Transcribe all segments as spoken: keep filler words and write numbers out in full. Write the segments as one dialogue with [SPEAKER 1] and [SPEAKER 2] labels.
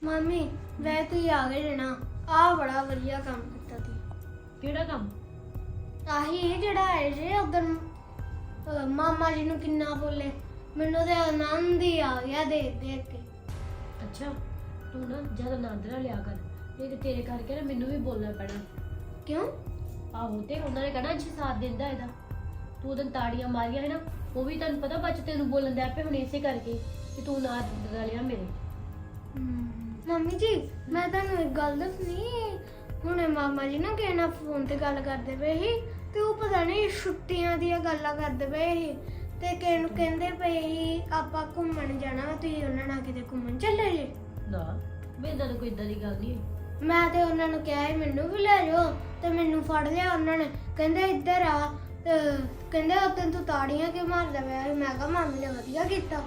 [SPEAKER 1] ਮਾਮੀ ਵੈ ਤੂੰ ਆ ਗਏ ਜਣਾ ਆ ਬੜਾ ਵਧੀਆ ਕੰਮ ਕੀਤਾ ਤੀ।
[SPEAKER 2] ਕਿਹੜਾ ਕੰਮ?
[SPEAKER 1] ਆਹੀ ਇਹ ਜਿਹੜਾ ਹੈ ਜੇ ਉਧਰ ਮਾਮਾ ਜੀ ਨੂੰ ਕਿੰਨਾ ਬੋਲੇ, ਮੈਨੂੰ ਤੇ ਆਨੰਦ ਹੀ ਆ ਗਿਆ ਦੇਖ ਦੇਖ ਕੇ।
[SPEAKER 2] ਅੱਛਾ ਤੂੰ ਨਾ ਜ਼ਿਆਦਾ ਆਨੰਦ ਨਾ ਲਿਆ ਕਰ, ਨਹੀਂ ਤੇ ਤੇਰੇ ਕਰਕੇ ਨਾ ਮੈਨੂੰ ਵੀ ਬੋਲਣਾ ਪੈਣਾ।
[SPEAKER 1] ਕਿਉਂ?
[SPEAKER 2] ਆਹੋ ਤੇ ਉਹਨਾਂ ਨੇ ਕਹਿਣਾ ਜੀ ਸਾਥ ਦਿੰਦਾ ਇਹਦਾ, ਤੂੰ ਉਹਦਾਂ ਤਾੜੀਆਂ ਮਾਰੀਆਂ ਹੈ ਨਾ, ਉਹ ਵੀ ਤੈਨੂੰ ਪਤਾ ਬੱਚ ਤੈਨੂੰ ਬੋਲਣ ਦੇ ਆਪੇ ਹੁਣ ਇਸੇ ਕਰਕੇ ਕਿ ਤੂੰ ਨਾ ਲਿਆ ਮੇਰੇ।
[SPEAKER 1] ਮੰਮੀ ਜੀ ਮੈਂ ਤੁਹਾਨੂੰ ਇੱਕ ਗੱਲ ਦੱਸਣੀ, ਹੁਣੇ ਮਾਮਾ ਜੀ ਨਾ ਕਿਸੇ ਨਾਲ ਫੋਨ ਤੇ ਗੱਲ ਕਰਦੇ ਪਏ ਸੀ ਤੇ ਉਹ ਪਤਾ ਨਹੀਂ ਛੁੱਟੀਆਂ ਦੀਆਂ ਗੱਲਾਂ ਕਰਦੇ ਪਏ ਸੀ ਤੇ ਕਿਸੇ ਨੂੰ ਕਹਿੰਦੇ ਪਏ ਸੀ ਆਪਾਂ ਘੁੰਮਣ ਜਾਣਾ, ਤੁਸੀਂ ਉਹਨਾਂ ਨਾਲ ਕਿਤੇ ਘੁੰਮਣ ਚੱਲੇ ਜੇ?
[SPEAKER 2] ਨਾ ਮੇਰੇ ਨਾਲ ਕੋਈ ਇਦਾਂ ਦੀ ਗੱਲ ਨਹੀਂ ਹੋਈ।
[SPEAKER 1] ਮੈਂ ਤੇ ਉਹਨਾਂ ਨੂੰ ਕਿਹਾ ਸੀ ਮੈਨੂੰ ਵੀ ਲੈ ਜਾਓ ਤੇ ਮੈਨੂੰ ਫੜ ਲਿਆ ਉਹਨਾਂ ਨੇ, ਕਹਿੰਦੇ ਇੱਧਰ ਆ ਤੇ ਕਹਿੰਦੇ ਉਦੋਂ ਤੂੰ ਤਾੜੀਆਂ ਕਿਉਂ ਮਾਰਦਾ ਪਿਆ ਸੀ? ਮੈਂ ਕਿਹਾ ਮਾਮੀ ਨੇ ਵਧੀਆ ਕੀਤਾ।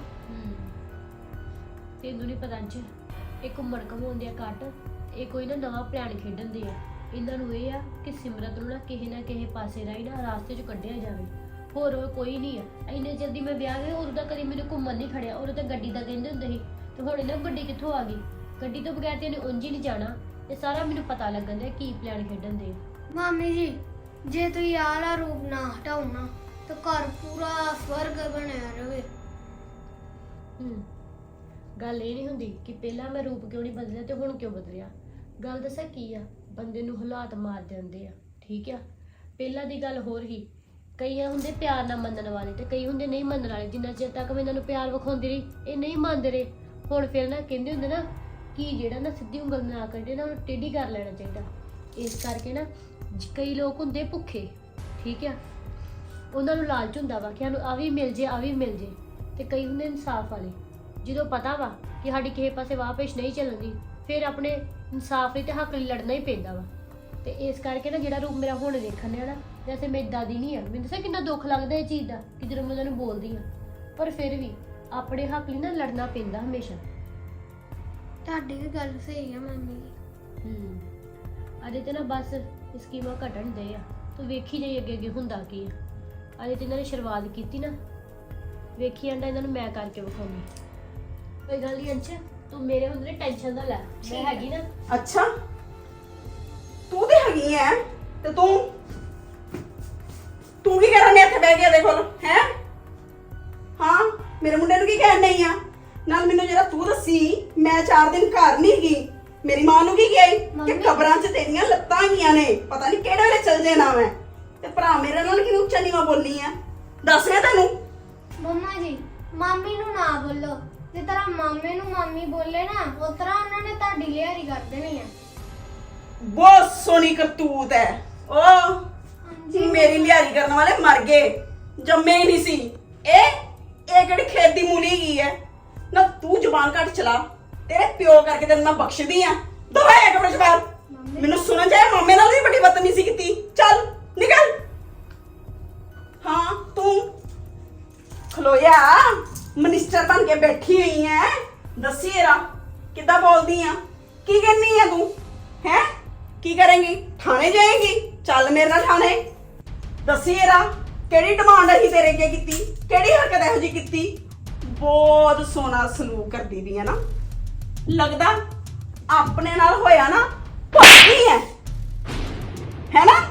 [SPEAKER 2] ਤੈਨੂੰ ਨਹੀਂ ਪਤਾ ਅੰਚ ਇਹ ਘੁੰਮਣ ਘਮਾਉਣ ਦੇ ਘੱਟ, ਇਹ ਕੋਈ ਨਾ ਨਵਾਂ ਪਲਾਨ ਖੇਡਣ ਦੇ ਆ। ਇਹਨਾਂ ਨੂੰ ਇਹ ਆ ਕਿ ਸਿਮਰਤ ਨੂੰ ਨਾ ਕਿਸੇ ਨਾ ਕਿਸੇ ਪਾਸੇ ਰਾਹੀਂ ਨਾ ਰਾਸਤੇ 'ਚ ਕੱਢਿਆ ਜਾਵੇ, ਹੋਰ ਕੋਈ ਨਹੀਂ ਆ। ਇੰਨੇ ਜਲਦੀ ਮੈਂ ਵਿਆਹ ਗਿਆ ਉਦੋਂ ਤਾਂ ਕਦੀ ਮੈਨੂੰ ਘੁੰਮਣ ਨਹੀਂ ਖੜਿਆ, ਉਦੋਂ ਤਾਂ ਗੱਡੀ ਦਾ ਕਹਿੰਦੇ ਹੁੰਦੇ ਸੀ ਤੇ ਹੁਣ ਇਹਨਾਂ ਗੱਡੀ ਕਿੱਥੋਂ ਆ ਗਈ? ਗੱਡੀ ਤੋਂ ਬਗੈਰ ਤੇ ਇਹਨੇ ਉਂਝ ਹੀ ਨਹੀਂ ਜਾਣਾ। ਇਹ ਸਾਰਾ ਮੈਨੂੰ ਪਤਾ ਲੱਗਣ ਦਿਆ ਕੀ ਪਲਾਨ ਖੇਡਣ ਦੇ।
[SPEAKER 1] ਮਾਮੀ ਜੀ ਜੇ ਤੁਸੀਂ ਆਹ ਵਾਲਾ ਰੂਪ ਨਾ ਹਟਾਓ ਨਾ ਤਾਂ ਘਰ ਪੂਰਾ ਸਵਰਗ ਬਣਿਆ ਰਵੇ।
[SPEAKER 2] ਹੂੰ ਗੱਲ ਇਹ ਨਹੀਂ ਹੁੰਦੀ ਕਿ ਪਹਿਲਾਂ ਮੈਂ ਰੂਪ ਕਿਉਂ ਨਹੀਂ ਬਦਲਿਆ ਤੇ ਹੁਣ ਕਿਉਂ ਬਦਲਿਆ। ਗੱਲ ਦੱਸਾਂ ਕੀ ਆ, ਬੰਦੇ ਨੂੰ ਹਾਲਾਤ ਮਾਰ ਦਿੰਦੇ ਆ, ਠੀਕ ਆ। ਪਹਿਲਾਂ ਦੀ ਗੱਲ ਹੋਰ ਹੀ, ਕਈ ਹੁੰਦੇ ਪਿਆਰ ਨਾਲ ਮੰਨਣ ਵਾਲੇ ਤੇ ਕਈ ਹੁੰਦੇ ਨਹੀਂ ਮੰਨਣ ਵਾਲੇ। ਜਿੰਨਾ ਚਿਰ ਤੱਕ ਮੈਂ ਇਹਨਾਂ ਨੂੰ ਪਿਆਰ ਵਿਖਾਉਂਦੀ ਰਹੀ ਇਹ ਨਹੀਂ ਮੰਨਦੇ ਰਹੇ। ਹੁਣ ਫਿਰ ਨਾ ਕਹਿੰਦੇ ਹੁੰਦੇ ਨਾ ਕਿ ਜਿਹੜਾ ਨਾ ਸਿੱਧੀ ਉਂਗਲ ਨਾ ਕੱਢੇ ਨਾ ਉਹਨੂੰ ਟੇਢੀ ਕਰ ਲੈਣਾ ਚਾਹੀਦਾ। ਇਸ ਕਰਕੇ ਨਾ ਕਈ ਲੋਕ ਹੁੰਦੇ ਭੁੱਖੇ, ਠੀਕ ਆ, ਉਹਨਾਂ ਨੂੰ ਲਾਲਚ ਹੁੰਦਾ ਵਾ ਕਿ ਸਾਨੂੰ ਆ ਵੀ ਮਿਲ ਜੇ ਆ ਵੀ ਮਿਲ ਜੇ, ਤੇ ਕਈ ਹੁੰਦੇ ਇਨਸਾਫ ਵਾਲੇ, ਜਦੋਂ ਪਤਾ ਵਾ ਕਿ ਸਾਡੀ ਕਿਸੇ ਪਾਸੇ ਵਾਹ ਪੇਸ਼ ਨਹੀਂ ਚੱਲਦੀ ਫਿਰ ਆਪਣੇ ਇਨਸਾਫ ਲਈ ਤੇ ਹੱਕ ਲਈ ਲੜਨਾ ਹੀ ਪੈਂਦਾ ਵਾ। ਤੇ ਇਸ ਕਰਕੇ ਨਾ ਜਿਹੜਾ ਰੂਪ ਮੇਰਾ ਹੁਣ ਦੇਖਣ ਆ ਨਾ, ਜੈਸੇ ਮੇਰੀ ਦਾਦੀ ਨਹੀਂ ਆ, ਮੈਨੂੰ ਦੱਸਿਆ ਕਿੰਨਾ ਦੁੱਖ ਲੱਗਦਾ ਇਹ ਚੀਜ਼ ਦਾ ਕਿ ਜਦੋਂ ਮੈਂ ਉਹਨਾਂ ਨੂੰ ਬੋਲਦੀ ਆ, ਪਰ ਫਿਰ ਵੀ ਆਪਣੇ ਹੱਕ ਲਈ ਨਾ ਲੜਨਾ ਪੈਂਦਾ ਹਮੇਸ਼ਾ।
[SPEAKER 1] ਤੁਹਾਡੀ ਵੀ ਗੱਲ ਸਹੀ ਆ ਮੰਮੀ ਜੀ।
[SPEAKER 2] ਹੂੰ ਅਜੇ ਤੇ ਨਾ ਬਸ ਸਕੀਮਾਂ ਘਟਣ ਦੇ ਆ, ਤੂੰ ਵੇਖੀ ਜਾਈ ਅੱਗੇ ਅੱਗੇ ਹੁੰਦਾ ਕੀ ਆ। ਅਜੇ ਤੇ ਇਹਨਾਂ ਨੇ ਸ਼ੁਰੂਆਤ ਕੀਤੀ ਨਾ, ਵੇਖੀ ਜਾਂਦਾ ਇਹਨਾਂ ਨੂੰ ਮੈਂ ਕਰਕੇ ਵਿਖਾਉਣੀ। ਕੋਈ ਗੱਲ ਨਹੀਂ ਅੰਸ਼, ਤੂੰ ਮੇਰੇ ਹੁੰਦੇ ਨੇ ਟੈਨਸ਼ਨ ਨਾ ਲੈ, ਮੈਂ ਹੈਗੀ ਨਾ।
[SPEAKER 3] ਅੱਛਾ ਤੂੰ ਤੇ ਹੈਗੀ ਐ ਤੇ ਤੂੰ ਤੂੰ ਕੀ ਕਰਨ ਨੇ ਇੱਥੇ ਬਹਿ ਗਿਆ ਦੇਖੋ ਹੈ? ਹਾਂ ਮੇਰੇ ਮੁੰਡੇ ਨੂੰ ਕੀ ਕਹਿਣ ਨਹੀਂ ਆ? ਨਾਲ ਮੈਨੂੰ ਜਿਹੜਾ ਤੂੰ ਦੱਸੀ ਮੈਂ ਚਾਰ ਦਿਨ ਘਰ ਨਹੀਂ ਗਈ, ਮੇਰੀ ਮਾਂ ਨੂੰ ਕੀ ਕਿਹਾ ਕਿ ਕਬਰਾਂ 'ਚ ਤੇਰੀਆਂ ਲੱਤਾਂ ਗਈਆਂ ਨੇ, ਪਤਾ ਨਹੀਂ ਕਿਹੜੇ ਵੇਲੇ ਚੱਲ ਜੇ ਨਾ ਮੈਂ। ਤੇ ਭਰਾ ਮੇਰੇ ਨਾਲ ਕਿਉਂ ਉੱਚਾ ਨੀਵਾਂ ਬੋਲਨੀ ਆ? ਦੱਸ ਮੈਂ ਤੈਨੂੰ।
[SPEAKER 1] ਮੰਮਾ ਜੀ ਮਾਮੀ ਨੂੰ ਨਾ ਬੋਲੋ, ਜੇ ਤਰ੍ਹਾਂ ਮਾਮੇ ਨੂੰ ਮਾਮੀ ਬੋਲੇ ਨਾ ਉਸ ਤਰ੍ਹਾਂ ਉਹਨਾਂ ਨੇ ਤੁਹਾਡੀ ਲਿਆਰੀ ਕਰ ਦੇਣੀ ਆ।
[SPEAKER 3] ਬਹੁਤ ਸੋਹਣੀ ਕਰਤੂਤ ਹੈ ਉਹ। ਮੇਰੀ ਲਿਆਰੀ ਕਰਨ ਵਾਲੇ ਮਰ ਗਏ, ਜੰਮੇ ਹੀ ਨਹੀਂ ਸੀ। ਇਹ ਇਹ ਕਿਹੜੀ ਖੇਤ ਦੀ ਮੂਲੀ ਗਈ ਹੈ ਨਾ? ਤੂੰ ਜ਼ੁਬਾਨ ਘੱਟ ਚਲਾ, ਤੇਰੇ ਪਿਓ ਕਰਕੇ ਤੈਨੂੰ ਮੈਂ ਬਖਸ਼ਦੀ ਆ। ਦਵਾਇਆ ਕਮਰੇ ਚ ਬਾਹਰ, ਮੈਨੂੰ ਸੁਣਨ ਜਾਏ ਮਾਮੇ ਨਾਲ ਵੀ ਬੜੀ ਬਦਤਮੀਜ਼ੀ ਕੀਤੀ। ਚੱਲ ਨਿਕਲ। ਹਾਂ ਤੂੰ ਖਲੋਇਆ ਮਿਨਿਸਟਰ ਬਣ ਕੇ ਬੈਠੀ ਹੋਈ ਐ, ਦੱਸੀ ਇਹਰਾ ਕਿੱਦਾਂ ਬੋਲਦੀ ਆ? ਕੀ ਕਹਿੰਨੀ ਆ ਤੂੰ ਹੈ? ਕੀ ਕਰੇਂਗੀ? ਥਾਣੇ ਜਾਏਂਗੀ? ਚੱਲ ਮੇਰੇ ਨਾਲ ਥਾਣੇ। ਦੱਸੀ ਇਹਰਾ ਕਿਹੜੀ ਡਿਮਾਂਡ ਹੈ ਤੇਰੇ ਅੱਗੇ ਕੀਤੀ, ਕਿਹੜੀ ਹਰਕਤ ਇਹੋ ਜਿਹੀ ਕੀਤੀ? ਬਹੁਤ ਸੋਹਣਾ ਸਲੂਕ ਕਰਦੀ ਵੀ ਹੈ ਨਾ, ਲੱਗਦਾ ਆਪਣੇ ਨਾਲ ਹੋਇਆ ਨਾ ਭੱਜੀ ਹੈ ਹੈ ਨਾ?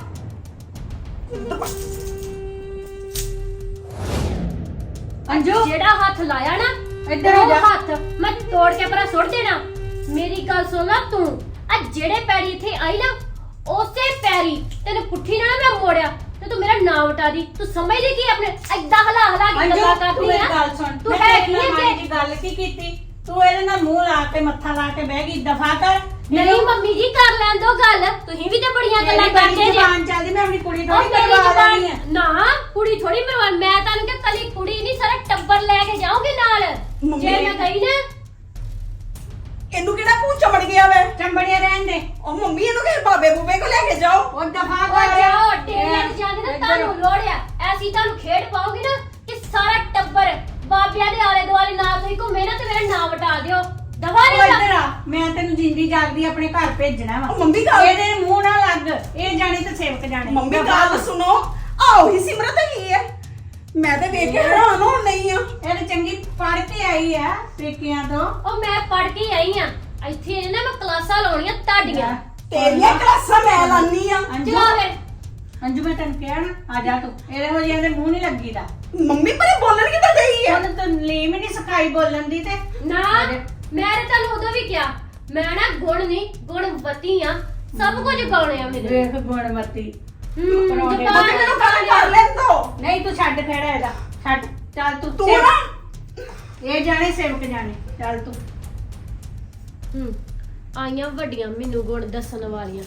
[SPEAKER 2] ਅੰਜੂ ਜਿਹੜਾ ਹੱਥ ਲਾਇਆ ਨਾ ਇੱਧਰ ਉਹ ਹੱਥ ਮੈਂ ਤੋੜ ਕੇ ਪਰਾਂ ਸੁੱਟ ਦੇਣਾ। ਮੇਰੀ ਗੱਲ ਸੁਣ ਲੈ ਤੂੰ, ਆ ਜਿਹੜੇ ਪੈਰੀ ਇੱਥੇ ਆਈ ਨਾ ਉਸੇ ਪੈਰੀ ਤੈਨੂੰ ਪੁੱਠੀ ਨਾਲ ਮੈਂ ਮੋੜਿਆ ਤੇ ਤੂੰ ਮੇਰਾ ਨਾਮ ਉਟਾ ਦੀ। ਤੂੰ ਸਮਝਦੀ ਕੀ ਆਪਣੇ ਏਦਾਂ ਹਲਾ ਹਲਾ ਕੇ ਗੱਲਾਂ ਕਰਦੀ ਆ?
[SPEAKER 4] ਗੱਲ ਸੁਣ,
[SPEAKER 2] ਤੂੰ ਹੈ ਕੀ
[SPEAKER 4] ਮਾਂ ਦੀ ਗੱਲ ਕੀ ਕੀਤੀ? ਤੂੰ ਇਹਦੇ ਨਾਲ ਮੂੰਹ ਲਾ ਕੇ ਮੱਥਾ ਲਾ ਕੇ ਬਹਿ ਗਈ। ਦਫਾ ਕਰ।
[SPEAKER 2] ਨਹੀਂ ਮੰਮੀ ਜੀ ਕਰ ਲੈਣ ਦੋ ਗੱਲ, ਤੁਸੀਂ ਵੀ ਤੇ ਬੜੀਆਂ ਗੱਲਾਂ ਕਰਦੇ ਜੇ।
[SPEAKER 4] ਜ਼ਬਾਨ ਚੱਲਦੀ, ਮੈਂ ਆਪਣੀ ਕੁੜੀ
[SPEAKER 2] ਉਹ
[SPEAKER 4] ਥੋੜੀ
[SPEAKER 2] ਮੇਰੀ
[SPEAKER 4] ਕਰਵਾ ਲੈਣੀ ਆ।
[SPEAKER 2] ਜ਼ਬਾਨ ਨਾ ਕੁੜੀ ਥੋੜੀ ਮਰਵਾਨ, ਮੈਂ ਤੁਹਾਨੂੰ ਕਿ ਕੱਲੀ ਕੁੜੀ ਨਹੀਂ ਸਾਰਾ ਟੱਬਰ ਲੈ ਕੇ ਜਾਓਗੇ ਨਾਲ। ਜੇ ਮੈਂ ਗਈ ਨਾ
[SPEAKER 3] ਇਹਨੂੰ ਕਿਹੜਾ ਭੂਤ ਚਮੜ ਗਿਆ ਵੇ?
[SPEAKER 4] ਚੰਬੜੀਆਂ ਰਹਿਣ ਦੇ।
[SPEAKER 3] ਉਹ ਮੰਮੀ ਇਹਨੂੰ ਕਿਸੇ ਬਾਬੇ ਬੂਬੇ ਕੋ ਲੈ ਕੇ ਜਾਓ।
[SPEAKER 4] ਉਹ ਦਫਾ
[SPEAKER 2] ਉਹ
[SPEAKER 4] ਕਰ।
[SPEAKER 2] ਜਾਓ ਡੇਰਿਆਂ ਤੇ ਜਾਂਦੇ ਨਾ ਤੁਹਾਨੂੰ ਲੋੜਿਆ ਐਸੀ ਤੁਹਾਨੂੰ ਖੇਡ ਪਾਓਗੇ ਨਾ ਕਿ ਸਾਰਾ ਟੱਬਰ ਬਾਬਿਆਂ ਦੇ ਆਲੇ ਦੁਆਲੇ ਨਾਲ ਤੁਸੀਂ ਘੁੰਮੇ ਨਾ ਤੇ ਮੇਰਾ ਨਾਮ ਵਟਾ ਦਿਓ। ਦਵਾ
[SPEAKER 4] ਉਹ
[SPEAKER 2] ਨਹੀਂ
[SPEAKER 4] ਇੱਧਰ ਆ, ਮੈਂ ਤੈਨੂੰ ਜਿੰਦੀ ਜਾਗਦੀ ਆਪਣੇ ਘਰ ਭੇਜਣਾ ਵਾ।
[SPEAKER 3] ਉਹ ਮੰਮੀ ਗੱਲ
[SPEAKER 4] ਇਹਦੇ ਮੂੰਹ ਨਾ ਲੱਗ, ਇਹ ਜਾਣੇ ਤੇ ਸੇਵਕ ਜਾਣੇ।
[SPEAKER 3] ਮੰਮੀ ਗੱਲ ਸੁਣੋ, ਆਓ ਹੀ ਸਿਮਰਤ ਹੈਗੀ ਹੈ। ਮੈਂ ਤੇ ਵੇਖ ਕੇ ਹੈਰਾਨ ਹੋਣ ਨਹੀਂ ਆ।
[SPEAKER 4] ਇਹ ਚੰਗੀ ਪੜ੍ਹ ਕੇ ਆਈ ਆ ਪੇਕਿਆਂ ਤੋਂ।
[SPEAKER 2] ਉਹ ਮੈਂ ਪੜ ਕੇ ਆਈ ਆ ਇੱਥੇ ਇਹਨੇ ਨਾ ਮੈਂ ਕਲਾਸਾਂ ਲਾਉਣੀਆਂ ਤੁਹਾਡੀਆਂ।
[SPEAKER 3] ਤੇਰੀਆਂ ਕਲਾਸਾਂ ਮੈਂ ਲਾਨੀ ਆ।
[SPEAKER 4] ਅੰਜੂ
[SPEAKER 2] ਚਲੋ ਫਿਰ।
[SPEAKER 4] ਅੰਜੂ ਮੈਂ ਤੈਨੂੰ ਕਿਹਾ ਨਾ ਆ ਜਾ ਤੂੰ, ਇਹਦੇ ਹੋ ਜਿਆਂ ਦੇ ਮੂੰਹ ਨਹੀਂ ਲੱਗੀਦਾ।
[SPEAKER 3] ਮੰਮੀ ਪਰ ਬੋਲਣ ਕਿੱਦਾਂ ਗਈ ਆ?
[SPEAKER 4] ਉਹਨੂੰ ਤਾਂ ਲੀਮ ਹੀ ਨਹੀਂ ਸਿਖਾਈ ਬੋਲਣ ਦੀ ਤੇ
[SPEAKER 2] ਨਾ ਮੈਂ ਤੇ ਤੁਹਾਨੂੰ ਉਦੋਂ ਵੀ ਕਿਹਾ ਮੈਂ ਨਾ ਗੁਣ ਨਹੀਂ ਗੁਣਵਤੀ ਆ, ਸਭ ਕੁਝ ਗਾਉਣੇ ਆ ਮੇਰੇ।
[SPEAKER 4] ਵੇਖ ਗੁਣਮਤੀ।
[SPEAKER 2] ਹੂੰ
[SPEAKER 4] ਪਰੌਂਠੇ
[SPEAKER 2] ਜ਼ੁਬਾਨ
[SPEAKER 3] ਮੰਮੀ ਮੈਨੂੰ ਗੱਲ ਕਰ ਲੈਣ ਦੋ।
[SPEAKER 4] ਨਹੀਂ ਤੂੰ ਛੱਡ ਖੜਾ ਇਹਦਾ, ਛੱਡ ਚੱਲ ਤੂੰ
[SPEAKER 3] ਤੂੰ
[SPEAKER 4] ਸੇਵ-
[SPEAKER 3] ਨਾ
[SPEAKER 4] ਇਹ ਜਾਣੇ ਸੇਵਕ ਜਾਣੇ, ਚੱਲ ਤੂੰ।
[SPEAKER 2] ਹੂੰ ਆਈਆਂ ਵੱਡੀਆਂ ਮੈਨੂੰ ਗੁਣ ਦੱਸਣ ਵਾਲੀਆਂ।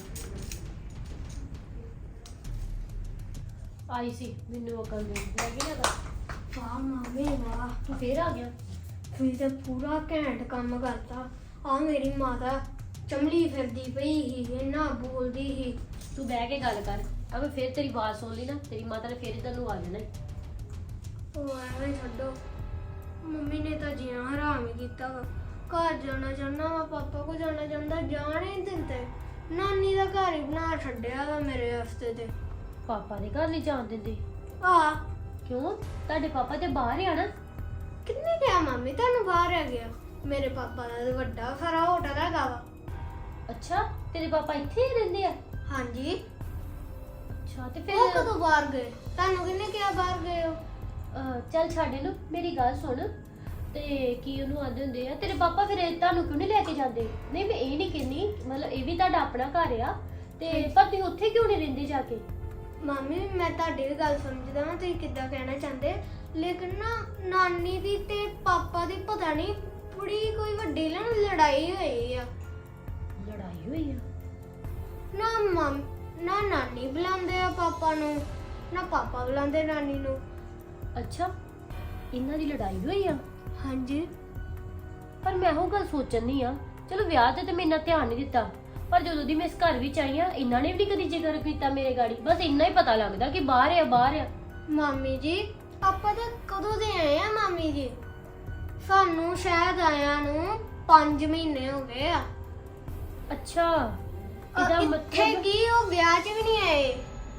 [SPEAKER 2] ਆਈ ਸੀ ਮੈਨੂੰ ਅਕਲ ਦੇ ਲੱਗੀ ਨਾ ਗੱਲ।
[SPEAKER 1] ਵਾਹ ਮੰਮੀ ਵਾਹ,
[SPEAKER 2] ਤੂੰ ਫੇਰ ਆ ਗਿਆ।
[SPEAKER 1] ਤੁਸੀਂ ਤਾਂ ਪੂਰਾ ਘੈਂਟ ਕੰਮ ਕਰਤਾ। ਆ ਮੇਰੀ ਮਾਤਾ ਚਮਲੀ ਫਿਰਦੀ ਪਈ ਸੀ, ਇੰਨਾ ਬੋਲਦੀ ਸੀ।
[SPEAKER 2] ਤੂੰ ਬਹਿ ਕੇ ਗੱਲ ਕਰ। ਅਗਰ ਫੇਰ ਤੇਰੀ ਆਵਾਜ਼ ਸੁਣ ਲਈ ਨਾ ਤੇਰੀ ਮਾਤਾ ਨੇ ਫੇਰ ਇਧਰ ਨੂੰ ਆ ਜਾਣਾ ਈ।
[SPEAKER 1] ਉਹ ਐਵੇਂ ਛੱਡੋ, ਮੰਮੀ ਨੇ ਤਾਂ ਜੀਣਾ ਹਰਾਮ ਹੀ ਕੀਤਾ ਵਾ। ਘਰ ਜਾਣਾ ਚਾਹੁੰਦਾ ਵਾ, ਪਾਪਾ ਕੋ ਜਾਣਾ ਚਾਹੁੰਦਾ, ਜਾਣ ਹੀ ਨੀ ਦਿੰਦੇ। ਨਾਨੀ ਦਾ ਘਰ ਹੀ ਬਣਾ ਛੱਡਿਆ ਵਾ ਮੇਰੇ ਵਾਸਤੇ ਤੇ।
[SPEAKER 2] ਪਾਪਾ ਦੇ ਘਰ ਨਹੀਂ ਜਾਣ ਦਿੰਦੇ
[SPEAKER 1] ਆ
[SPEAKER 2] ਕਿਉਂ? ਤੁਹਾਡੇ ਪਾਪਾ ਤੇ ਬਾਹਰ ਆ ਨਾ।
[SPEAKER 1] ਕਿੰਨੇ ਕਿਹਾ ਮੰਮੀ ਤੁਹਾਨੂੰ ਬਾਹਰ ਆ ਗਿਆ? ਮੇਰੇ ਪਾਪਾ ਦਾ ਤਾਂ ਵੱਡਾ ਸਾਰਾ ਹੋਟਲ ਹੈਗਾ ਵਾ।
[SPEAKER 2] ਅੱਛਾ ਤੇਰੇ ਪਾਪਾ ਇੱਥੇ ਹੀ ਰਹਿੰਦੇ ਆ?
[SPEAKER 1] ਹਾਂਜੀ।
[SPEAKER 2] ਅੱਛਾ ਤੇ
[SPEAKER 1] ਉਹ
[SPEAKER 2] ਫਿਰ
[SPEAKER 1] ਕਦੋਂ ਬਾਹਰ ਗਏ? ਤੁਹਾਨੂੰ ਕਿੰਨੇ ਕਿਹਾ ਬਾਹਰ ਗਏ ਹੋ?
[SPEAKER 2] ਅਹ, ਚੱਲ ਛੱਡ ਇਹਨੂੰ, ਮੇਰੀ ਗੱਲ ਸੁਣ। ਤੇ ਕੀ ਉਹਨੂੰ ਆਂਦੇ ਹੁੰਦੇ ਆ ਤੇਰੇ ਪਾਪਾ ਫਿਰ ਇਹ ਤੁਹਾਨੂੰ ਕਿਉਂ ਨਹੀਂ ਲੈ ਕੇ ਜਾਂਦੇ? ਨਹੀਂ ਮੈਂ ਇਹ ਨਹੀਂ ਕਹਿੰਦੀ, ਮਤਲਬ ਇਹ ਵੀ ਤੁਹਾਡਾ ਆਪਣਾ ਘਰ ਆ ਤੇ ਪਰ ਤੁਸੀਂ ਉੱਥੇ ਕਿਉਂ ਨਹੀਂ ਰਹਿੰਦੇ ਜਾ ਕੇ?
[SPEAKER 1] ਮੰਮੀ ਮੈਂ ਤੁਹਾਡੀ ਵੀ ਗੱਲ ਸਮਝਦਾ ਹਾਂ, ਤੁਸੀਂ ਕਿੱਦਾਂ ਕਹਿਣਾ ਚਾਹੁੰਦੇ, ਲੇਕਿਨ ਨਾ ਨਾਨੀ ਦੀ ਤੇ ਪਾਪਾ ਦੀ ਪਤਾ ਨਹੀਂ ਬੜੀ ਕੋਈ ਵੱਡੀ ਨਾ ਲੜਾਈ ਹੋਈ ਆ।
[SPEAKER 2] ਲੜਾਈ ਹੋਈ ਆ?
[SPEAKER 1] ਨਾ ਮਮ ਨਾ ਨਾਨੀ ਬੁਲਾਉਂਦੇ ਆ ਪਾਪਾ ਨੂੰ, ਨਾ ਪਾਪਾ ਬੁਲਾਉਂਦੇ ਨਾਨੀ ਨੂੰ।
[SPEAKER 2] ਅੱਛਾ ਇਹਨਾਂ ਦੀ ਲੜਾਈ ਹੋਈ ਆ?
[SPEAKER 1] ਹਾਂਜੀ।
[SPEAKER 2] ਪਰ ਮੈਂ ਉਹ ਗੱਲ ਸੋਚਣੀ ਆ, ਚਲੋ ਵਿਆਹ ਤੇ ਤੇ ਮੈਂ ਇੰਨਾ ਧਿਆਨ ਨਹੀਂ ਦਿੱਤਾ, ਪਰ ਜਦੋਂ ਦੀ ਮੈਂ ਇਸ ਘਰ ਵਿੱਚ ਆਈ ਆ ਇਹਨਾਂ ਨੇ ਵੀ ਨੀ ਕਦੀ ਜ਼ਿਕਰ ਕੀਤਾ ਮੇਰੇ ਗਾੜੀ। ਬਸ ਇੰਨਾ ਹੀ ਪਤਾ ਲੱਗਦਾ ਕਿ ਬਾਹਰ ਆ ਬਾਹਰ ਆ।
[SPEAKER 1] ਮਾਮੀ ਜੀ ਆਪਾਂ ਤਾਂ ਕਦੋਂ ਦੇ ਆਏ ਆ ਮਾਮੀ ਜੀ? ਸਾਨੂੰ ਸ਼ਾਇਦ ਆਇਆਂ ਨੂੰ ਪੰਜ ਮਹੀਨੇ ਹੋ ਗਏ ਆ।
[SPEAKER 2] ਅੱਛਾ ਇਹਦਾ
[SPEAKER 1] ਅ, ਇੱਥੇ
[SPEAKER 2] ਮਤਲਬ
[SPEAKER 1] ਕੀ ਉਹ ਵਿਆਹ 'ਚ ਵੀ ਨਹੀਂ ਆਏ?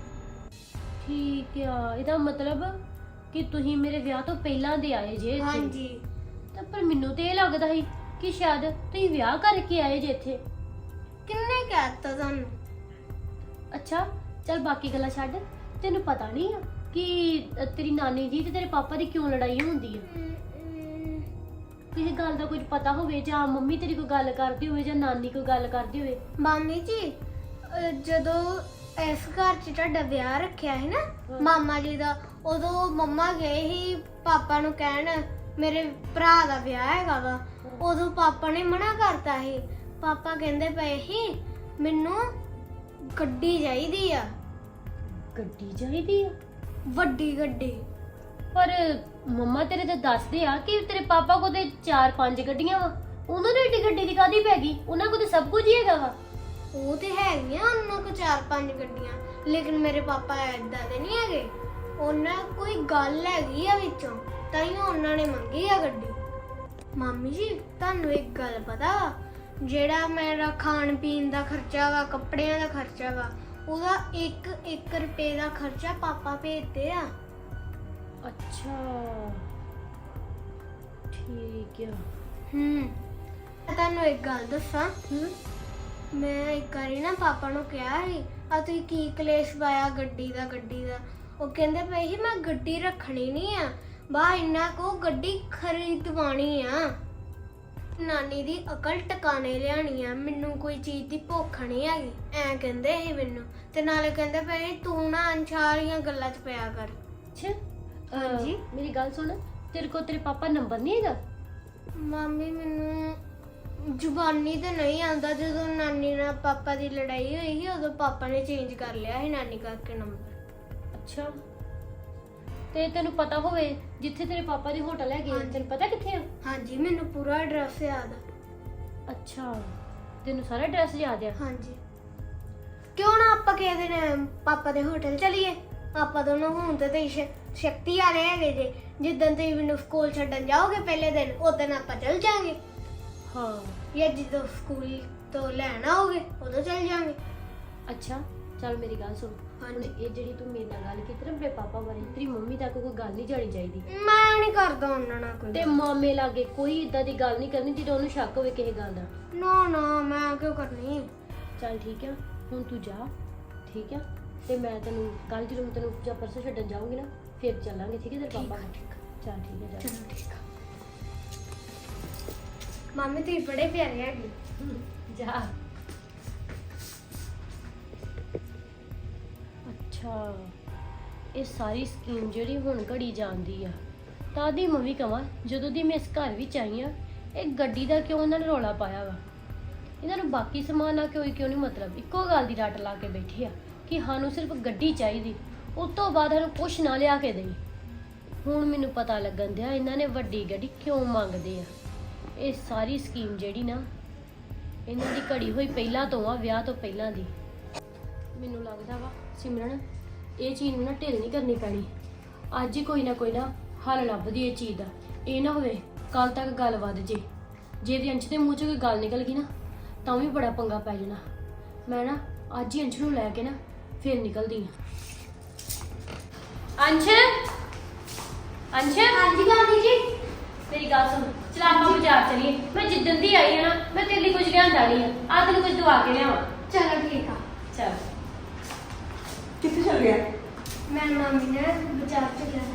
[SPEAKER 2] ਠੀਕ ਆ, ਇਹਦਾ ਮਤਲਬ ਕਿ ਤੁਸੀਂ ਮੇਰੇ ਵਿਆਹ ਤੋਂ ਪਹਿਲਾਂ ਦੇ ਆਏ ਜੇ ਇੱਥੇ।
[SPEAKER 1] ਹਾਂਜੀ।
[SPEAKER 2] ਤਾਂ ਪਰ ਮੈਨੂੰ ਤੇ ਇਹ ਲੱਗਦਾ ਸੀ ਕਿ ਸ਼ਾਇਦ ਤੁਸੀਂ ਵਿਆਹ ਕਰਕੇ ਆਏ ਜੇ ਇੱਥੇ।
[SPEAKER 1] ਕਿੰਨੇ ਕਹਿਤਾ ਤੁਹਾਨੂੰ?
[SPEAKER 2] ਅੱਛਾ ਚੱਲ ਬਾਕੀ ਗੱਲਾਂ ਛੱਡ, ਤੈਨੂੰ ਪਤਾ ਨਹੀਂ ਆ ਕਿ ਅ, ਤੇਰੀ ਨਾਨੀ ਜੀ ਤੇ ਤੇਰੇ ਪਾਪਾ ਦੀ ਕਿਉਂ ਲੜਾਈ ਹੁੰਦੀ ਆ?
[SPEAKER 1] ਅਮ, ਅਮ,
[SPEAKER 2] ਕਿਸੇ ਗੱਲ ਦਾ ਕੁਝ ਪਤਾ ਹੋਵੇ, ਜਾਂ ਮੰਮੀ ਤੇਰੀ ਕੋਈ ਗੱਲ ਕਰਦੀ ਹੋਵੇ ਜਾਂ ਨਾਨੀ ਕੋਈ ਗੱਲ ਕਰਦੀ ਹੋਵੇ?
[SPEAKER 1] ਮਾਮੀ ਜੀ ਅਹ ਜਦੋਂ ਇਸ ਘਰ 'ਚ ਤੁਹਾਡਾ ਵਿਆਹ ਰੱਖਿਆ ਸੀ ਨਾ
[SPEAKER 2] ਹਾਂ।
[SPEAKER 1] ਮਾਮਾ ਜੀ ਦਾ, ਉਦੋਂ ਮੰਮਾ ਗਏ ਸੀ ਪਾਪਾ ਨੂੰ ਕਹਿਣ ਮੇਰੇ ਭਰਾ ਦਾ ਵਿਆਹ ਹੈਗਾ ਵਾ। ਉਦੋਂ ਪਾਪਾ ਨੇ ਮਨਾ ਕਰਤਾ ਸੀ। ਪਾਪਾ ਕਹਿੰਦੇ ਪਏ ਸੀ ਮੈਨੂੰ ਗੱਡੀ ਚਾਹੀਦੀ ਆ,
[SPEAKER 2] ਗੱਡੀ ਚਾਹੀਦੀ ਆ?
[SPEAKER 1] ਵੱਡੀ ਗੱਡੀ।
[SPEAKER 2] ਪਰ ਮੰਮਾ ਤੇਰੇ ਤਾਂ ਦੱਸਦੇ ਆ ਕਿ ਤੇਰੇ ਪਾਪਾ ਕੋਲ ਤੇ ਚਾਰ ਪੰਜ ਗੱਡੀਆਂ ਵਾ, ਉਹਨਾਂ ਨੂੰ ਏਡੀ ਗੱਡੀ ਦੀ ਕਾਹਦੀ ਪੈ ਗਈ? ਉਹਨਾਂ ਕੋਲ ਤੇ ਸਭ ਕੁਝ ਹੀ ਹੈਗਾ ਵਾ।
[SPEAKER 1] ਉਹ ਤੇ ਹੈਗੀਆਂ ਉਹਨਾਂ ਕੋ ਚਾਰ ਪੰਜ ਗੱਡੀਆਂ, ਲੇਕਿਨ ਮੇਰੇ ਪਾਪਾ ਏਦਾਂ ਦੇ ਨਹੀਂ ਹੈਗੇ। ਉਹਨਾਂ ਕੋਈ ਗੱਲ ਹੈਗੀ ਆ ਵਿੱਚੋਂ, ਤਾਂ ਹੀ ਉਹਨਾਂ ਨੇ ਮੰਗੀ ਆ ਗੱਡੀ। ਮਾਮੀ ਜੀ ਤੁਹਾਨੂੰ ਇੱਕ ਗੱਲ ਪਤਾ ਵਾ, ਜਿਹੜਾ ਮੇਰਾ ਖਾਣ ਪੀਣ ਦਾ ਖਰਚਾ ਵਾ, ਕੱਪੜਿਆਂ ਦਾ ਖਰਚਾ ਵਾ, ਉਹਦਾ ਇੱਕ ਇੱਕ ਰੁਪਏ ਦਾ ਖਰਚਾ ਪਾਪਾ ਭੇਜਦੇ ਆ।
[SPEAKER 2] ਅੱਛਾ ਠੀਕ ਆ।
[SPEAKER 1] ਹੂੰ ਮੈਂ ਤੁਹਾਨੂੰ ਇੱਕ ਗੱਲ ਦੱਸਾਂ,
[SPEAKER 2] ਹੂੰ
[SPEAKER 1] ਮੈਂ ਇੱਕ ਵਾਰੀ ਨਾ ਪਾਪਾ ਨੂੰ ਕਿਹਾ ਸੀ ਆ ਤੁਸੀਂ ਕੀ ਕਲੇਸ਼ ਪਾਇਆ ਗੱਡੀ ਦਾ ਗੱਡੀ ਦਾ। ਉਹ ਕਹਿੰਦੇ ਪਏ ਸੀ ਮੈਂ ਗੱਡੀ ਰੱਖਣੀ ਨਹੀਂ ਆ, ਬਾ ਇੰਨਾ ਕੋ ਗੱਡੀ ਖਰੀਦਵਾਣੀ ਆ। ਨਾਨੀ ਦੀ ਅਕਲ ਟਿਕਾਣੇ ਲਿਆਣੀ ਆ, ਮੈਨੂੰ ਕੋਈ ਚੀਜ਼ ਦੀ ਭੁੱਖ ਨਹੀਂ ਹੈਗੀ, ਐ ਕਹਿੰਦੇ ਸੀ ਮੈਨੂੰ। ਤੇ ਨਾਲੇ ਕਹਿੰਦੇ ਪਏ ਤੂੰ ਨਾ ਅਨਛਾਰੀਆਂ ਗੱਲਾਂ 'ਚ ਪਿਆ ਕਰ।
[SPEAKER 2] ਅੱਛਾ ਅਹ,
[SPEAKER 1] ਹਾਂਜੀ।
[SPEAKER 2] ਮੇਰੀ ਗੱਲ ਸੁਣ, ਤੇਰੇ ਕੋਲ ਤੇਰੇ ਪਾਪਾ ਨੰਬਰ ਨਹੀਂ ਹੈਗਾ?
[SPEAKER 1] ਮਾਮੀ ਮੈਨੂੰ ਜ਼ੁਬਾਨੀ ਤੇ ਨਹੀਂ ਆਉਂਦਾ। ਜਦੋਂ ਨਾਨੀ ਨਾਲ ਪਾਪਾ ਦੀ ਲੜਾਈ ਹੋਈ ਸੀ ਉਦੋਂ ਪਾਪਾ ਨੇ ਚੇਂਜ ਕਰ ਲਿਆ ਸੀ ਨਾਨੀ ਕਰਕੇ ਨੰਬਰ।
[SPEAKER 2] ਅੱਛਾ ਤੇ ਤੈਨੂੰ ਪਤਾ ਹੋਵੇ ਜਿੱਥੇ ਤੇਰੇ ਪਾਪਾ ਦੀ ਹੋਟਲ ਹੈਗੀ ਆ,
[SPEAKER 1] ਹਾਂਜੀ।
[SPEAKER 2] ਤੈਨੂੰ ਪਤਾ ਕਿੱਥੇ ਆ?
[SPEAKER 1] ਹਾਂਜੀ ਮੈਨੂੰ ਪੂਰਾ ਐਡਰੈਸ ਯਾਦ ਆ।
[SPEAKER 2] ਅੱਛਾ ਤੈਨੂੰ ਸਾਰਾ ਐਡਰੈਸ ਯਾਦ ਆ?
[SPEAKER 1] ਹਾਂਜੀ। ਕਿਉਂ ਨਾ ਆਪਾਂ ਕਿਸੇ ਦਿਨ ਪਾਪਾ ਦੇ ਹੋਟਲ ਚਲੀਏ? ਆਪਾਂ ਦੋਨੋਂ ਹੁਣ ਤੇ ਤੇ ਸ਼ਕਤੀ ਵਾਲੇ ਹੈਗੇ ਜੇ। ਜਿੱਦਣ ਤੁਸੀਂ ਮੈਨੂੰ ਸਕੂਲ ਛੱਡਣ ਜਾਓਗੇ ਪਹਿਲੇ ਦਿਨ, ਉਦੋਂ ਆਪਾਂ ਚੱਲ ਜਾਾਂਗੇ।
[SPEAKER 2] ਹਾਂ
[SPEAKER 1] ਜਾਂ ਜਦੋਂ ਸਕੂਲ ਤੋਂ ਲੈਣ ਆਓਗੇ ਉਦੋਂ ਚੱਲ ਜਾਾਂਗੇ।
[SPEAKER 2] ਅੱਛਾ ਚੱਲ ਮੇਰੀ ਗੱਲ ਸੁਣ ਹੁਣ ਇਹ ਜਿਹੜੀ ਤੂੰ ਮੇਰੇ ਨਾਲ ਗੱਲ ਕੀਤੀ ਨਾ ਆਪਣੇ ਪਾਪਾ ਬਾਰੇ ਤੇਰੀ ਮੰਮੀ ਤੱਕ ਕੋਈ ਗੱਲ ਨਹੀਂ ਜਾਣੀ ਚਾਹੀਦੀ
[SPEAKER 1] ਮੈਂ ਨਹੀਂ ਕਰਦਾ ਉਹਨਾਂ ਨਾਲ ਕੋਈ
[SPEAKER 2] ਤੇ ਮਾਮੇ ਲਾਗੇ ਕੋਈ ਇਦਾਂ ਦੀ ਗੱਲ ਨਹੀਂ ਕਰਨੀ ਜਦੋਂ ਉਹਨੂੰ ਸ਼ੱਕ ਹੋਵੇ ਕਿਸੇ ਗੱਲ ਦਾ
[SPEAKER 1] ਨਾ ਨਾ ਮੈਂ ਕਿਉਂ ਕਰਨੀ।
[SPEAKER 2] ਚੱਲ ਠੀਕ ਆ ਹੁਣ ਤੂੰ ਜਾ ਠੀਕ ਆ ਤੇ ਮੈਂ ਤੈਨੂੰ ਕੱਲ ਜਦੋਂ ਮੈਂ ਤੈਨੂੰ ਜਾਂ ਪਰਸੋਂ ਛੱਡਣ ਜਾਊਂਗੀ ਨਾ ਫਿਰ ਚੱਲਾਂਗੇ ਠੀਕ ਹੈ ਤੇਰੇ ਪਾਪਾ ਨਾਲ ਚੱਲ ਠੀਕ ਹੈ ਜਾ
[SPEAKER 1] ਚਲੋ ਠੀਕ ਆ। ਮੰਮੀ ਤੁਸੀਂ ਬੜੇ ਪਿਆਰੇ ਹੈਗੇ।
[SPEAKER 2] ਜਾ ਅੱਛਾ ਇਹ ਸਾਰੀ ਸਕੀਮ ਜਿਹੜੀ ਹੁਣ ਘੜੀ ਜਾਂਦੀ ਆ ਤਾਂ ਦੀ ਮੈਂ ਵੀ ਕਵਾਂ ਜਦੋਂ ਦੀ ਮੈਂ ਇਸ ਘਰ ਵਿੱਚ ਆਈ ਆ ਇਹ ਗੱਡੀ ਦਾ ਕਿਉਂ ਇਹਨਾਂ ਨੇ ਰੌਲਾ ਪਾਇਆ ਵਾ ਇਹਨਾਂ ਨੂੰ ਬਾਕੀ ਸਮਾਨ ਨਾਲ ਕੋਈ ਕਿਉਂ ਨਹੀਂ ਮਤਲਬ ਇੱਕੋ ਗੱਲ ਦੀ ਰੱਟ ਲਾ ਕੇ ਬੈਠੇ ਆ ਕਿ ਸਾਨੂੰ ਸਿਰਫ ਗੱਡੀ ਚਾਹੀਦੀ ਉਸ ਤੋਂ ਬਾਅਦ ਸਾਨੂੰ ਕੁਛ ਨਾ ਲਿਆ ਕੇ ਦੇਈ। ਹੁਣ ਮੈਨੂੰ ਪਤਾ ਲੱਗਣ ਦਿਆ ਇਹਨਾਂ ਨੇ ਵੱਡੀ ਗੱਡੀ ਕਿਉਂ ਮੰਗਦੇ ਆ। ਇਹ ਸਾਰੀ ਸਕੀਮ ਜਿਹੜੀ ਨਾ ਇਹਨਾਂ ਦੀ ਘੜੀ ਹੋਈ ਪਹਿਲਾਂ ਤੋਂ ਆ ਵਿਆਹ ਤੋਂ ਪਹਿਲਾਂ ਦੀ। ਮੈਨੂੰ ਲੱਗਦਾ ਵਾ ਸਿਮਰਨ ਇਹ ਚੀਜ਼ ਨੂੰ ਨਾ ਢਿੱਲ ਨਹੀਂ ਕਰਨੀ ਪੈਣੀ ਅੱਜ ਹੀ ਕੋਈ ਨਾ ਕੋਈ ਨਾ ਹੱਲ ਲੱਭਦੀ ਇਹ ਚੀਜ਼ ਦਾ। ਇਹ ਨਾ ਹੋਵੇ ਕੱਲ ਤੱਕ ਗੱਲ ਵੱਧ ਜੇ ਜੇ ਦੀ ਅੰਸ਼ ਦੇ ਮੂੰਹ 'ਚ ਕੋਈ ਗੱਲ ਨਿਕਲ ਗਈ ਨਾ ਤਾਂ ਵੀ ਬੜਾ ਪੰਗਾ ਪੈ ਜਾਣਾ। ਮੈਂ ਨਾ ਅੱਜ ਹੀ ਅੰਸ਼ ਨੂੰ ਲੈ ਕੇ ਨਾ ਫਿਰ ਨਿਕਲਦੀ ਆ। ਅੰਸ਼ ਅੰਸ਼
[SPEAKER 1] ਹਾਂਜੀ ਗਾਂਧੀ ਜੀ।
[SPEAKER 2] ਮੇਰੀ ਗੱਲ ਸੁਣ ਚਲ ਆਪਾਂ ਬਾਜ਼ਾਰ ਚਲੀਏ। ਮੈਂ ਜਿੱਦਣ ਦੀ ਆਈ ਆ ਨਾ ਮੈਂ ਤੇਰੇ ਲਈ ਕੁਝ ਲਿਆਂਦਾ ਨਹੀਂ ਆ ਆ ਤੈਨੂੰ ਕੁਝ ਦਵਾ ਕੇ ਲਿਆਵਾਂ।
[SPEAKER 1] ਚਲੋ ਠੀਕ ਆ।
[SPEAKER 2] ਚੱਲ
[SPEAKER 3] ਕਿੱਥੇ ਚੱਲ ਗਿਆ?
[SPEAKER 1] ਮੈਂ ਮਾਮੀ ਨੇ ਬਾਜ਼ਾਰ ਚ ਗਿਆ।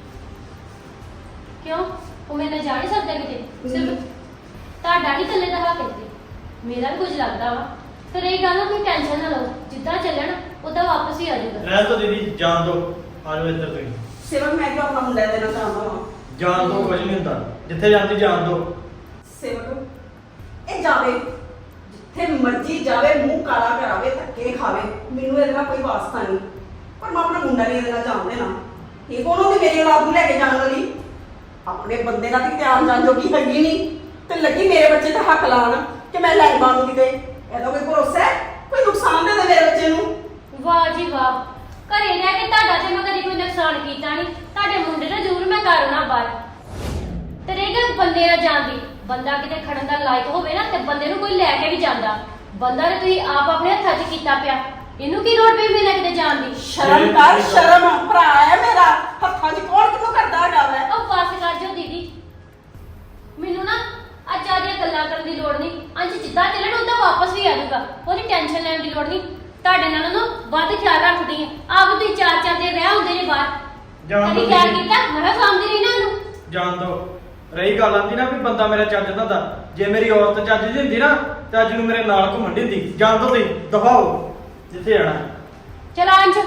[SPEAKER 2] ਕਿਉਂ ਉਹ ਮੇਰੇ ਨਾਲ ਜਾ ਨਹੀਂ ਸਕਦਾ ਕਿਤੇ ਸਿਰਫ ਤੁਹਾਡਾ ਨਹੀਂ ਥੱਲੇ ਦਾ ਹੱਕ ਇੱਥੇ ਮੇਰਾ ਵੀ ਕੁਝ ਲੱਗਦਾ ਵਾ ਤੇ ਰਹੀ ਗੱਲ ਨਾ ਕੋਈ ਟੈਨਸ਼ਨ ਨਾ ਲਓ ਜਿੱਦਾਂ ਚੱਲਣ ਉਦਾਂ ਵਾਪਸ ਹੀ ਆ ਜਾਊਗਾ।
[SPEAKER 5] ਰਹਿ ਤਾਂ ਦੀਦੀ ਜਾਣ ਦੋ ਆ ਜਾਓ ਇੱਧਰ ਤੁਸੀਂ
[SPEAKER 3] ਸੇਵਕ ਮੈਂ ਕਿਉਂ ਆਪਣਾ ਮੁੰਡਾ ਦੇਣਾ ਚਾਹੁੰਦਾ ਹਾਂ।
[SPEAKER 5] ਜਾਣ ਦੋ ਕੁਝ ਨਹੀਂ ਹੁੰਦਾ ਜਿੱਥੇ ਜਾਂਦੀ ਜਾਣ ਦੋ।
[SPEAKER 3] ਸੇਵਕ ਇਹ ਜਾਵੇ ਜਿੱਥੇ ਮਰਜ਼ੀ ਜਾਵੇ ਮੂੰਹ ਕਾਲਾ ਕਰਾਵੇ ਧੱਕੇ ਖਾਵੇ ਮੈਨੂੰ ਇਹਦੇ ਨਾਲ ਕੋਈ ਵਾਸਤਾ ਨਹੀਂ ਪਰ ਮੈਂ ਆਪਣਾ ਮੁੰਡਾ ਨਹੀਂ ਇਹਦੇ ਨਾਲ ਜਾਣ ਦੇਣਾ। ਇਹ ਕੋਣ ਹੁੰਦੀ ਮੇਰੀ ਔਲਾਦ ਨੂੰ ਲੈ ਕੇ ਜਾਣ ਵਾਲੀ? ਆਪਣੇ ਬੰਦੇ ਦਾ ਤੇ ਧਿਆਨ ਜਾਣ ਜੋਗੀ ਹੈਗੀ ਨਹੀਂ ਤੇ ਲੱਗੀ ਮੇਰੇ ਬੱਚੇ ਤੇ ਹੱਕ ਲਾਉਣ ਕਿ ਮੈਂ ਲੈ ਮਾਨੂੰ ਕਿਤੇ। ਇਹਦਾ ਕੋਈ ਭਰੋਸਾ ਹੈ? ਕੋਈ ਨੁਕਸਾਨ ਦੇ ਦੇ ਮੇਰੇ ਬੱਚੇ ਨੂੰ।
[SPEAKER 2] ਵਾਹ ਜੀ ਵਾਹ ਘਰੇ ਰਹਿ ਕੇ ਤੁਹਾਡਾ ਤੇ ਮੈਂ ਕਦੀ ਕੋਈ ਨੁਕਸਾਨ ਕੀਤਾ ਨਹੀਂ। ਤੁਹਾਡੇ ਮੁੰਡੇ ਨਾਲ ਜ਼ਰੂਰ ਮੈਂ ਕਰਨਾ ਬਾਹਰ ਤੇ ਰਹਿ ਗਿਆ ਬੰਦੇ ਨਾਲ ਜਾਣ ਦੀ। ਬੰਦਾ ਕਿਤੇ ਖੜਨ ਦਾ ਲਾਇਕ ਹੋਵੇ ਨਾ ਤੇ ਬੰਦੇ ਨੂੰ ਕੋਈ ਲੈ ਕੇ ਵੀ ਜਾਂਦਾ। ਬੰਦਾ ਤੇ ਤੁਸੀਂ ਆਪ ਆਪਣੇ ਹੱਥਾਂ 'ਚ ਕੀਤਾ ਪਿਆ ਇਹਨੂੰ ਕੀ ਲੋੜ ਪਈ ਮੇਰੇ ਕਿਤੇ ਜਾਣ ਦੀ।
[SPEAKER 3] ਸ਼ਰਮ ਕਰ ਸ਼ਰਮ ਭਰਾ ਹੈ ਮੇਰਾ ਹੱਥਾਂ 'ਚ ਕੌਣ ਕਿਉਂ ਕਰਦਾ ਹੈਗਾ ਵੈ।
[SPEAKER 2] ਉਹ ਬਸ ਕਰ ਜਾਓ ਦੀਦੀ ਮੈਨੂੰ ਨਾ ਅੱਜ ਆਦੀਆਂ ਗੱਲਾਂ ਕਰਨ ਦੀ ਲੋੜ ਨਹੀਂ। ਅੰਜ ਜਿੱਦਾਂ ਚੱਲਣ ਉਦਾਂ ਵਾਪਸ ਵੀ ਆ ਜਾਊਗਾ ਉਹਦੀ ਟੈਨਸ਼ਨ ਲੈਣ ਦੀ ਲੋੜ ਨਹੀਂ। ਤੁਹਾਡੇ ਨਾਲ ਨਾ ਵੱਧ ਖਿਆਲ ਰੱਖਦੀ ਆ ਆਪ ਤੁਸੀਂ ਚਾਰ ਚਾਰ ਦਿਨ ਰਹਿ ਹੁੰਦੇ ਨੇ ਬਾਹਰ
[SPEAKER 5] ਜਾਣ
[SPEAKER 2] ਕਦੀ
[SPEAKER 5] ਦੋ
[SPEAKER 2] ਖਿਆਲ ਕੀਤਾ ਮੈਂ ਸਾਹਮਣੇ ਰਹੀ ਨਾ ਉਹਨੂੰ।
[SPEAKER 5] ਜਾਣ ਦੋ। ਰਹੀ ਗੱਲ ਆਂਦੀ ਨਾ ਵੀ ਬੰਦਾ ਮੇਰਾ ਚੱਜ ਦਾ ਹੁੰਦਾ ਜੇ ਮੇਰੀ ਔਰਤ ਚੱਜ ਦੀ ਹੁੰਦੀ ਨਾ ਤੇ ਅੱਜ ਨੂੰ ਮੇਰੇ ਨਾਲ ਘੁੰਮਣ ਦੀ ਹੁੰਦੀ। ਜਾਣ ਦੋ ਤੁਸੀਂ ਦਫਾਓ ਜਿੱਥੇ ਜਾਣਾ।
[SPEAKER 2] ਚਲ ਅੰਜ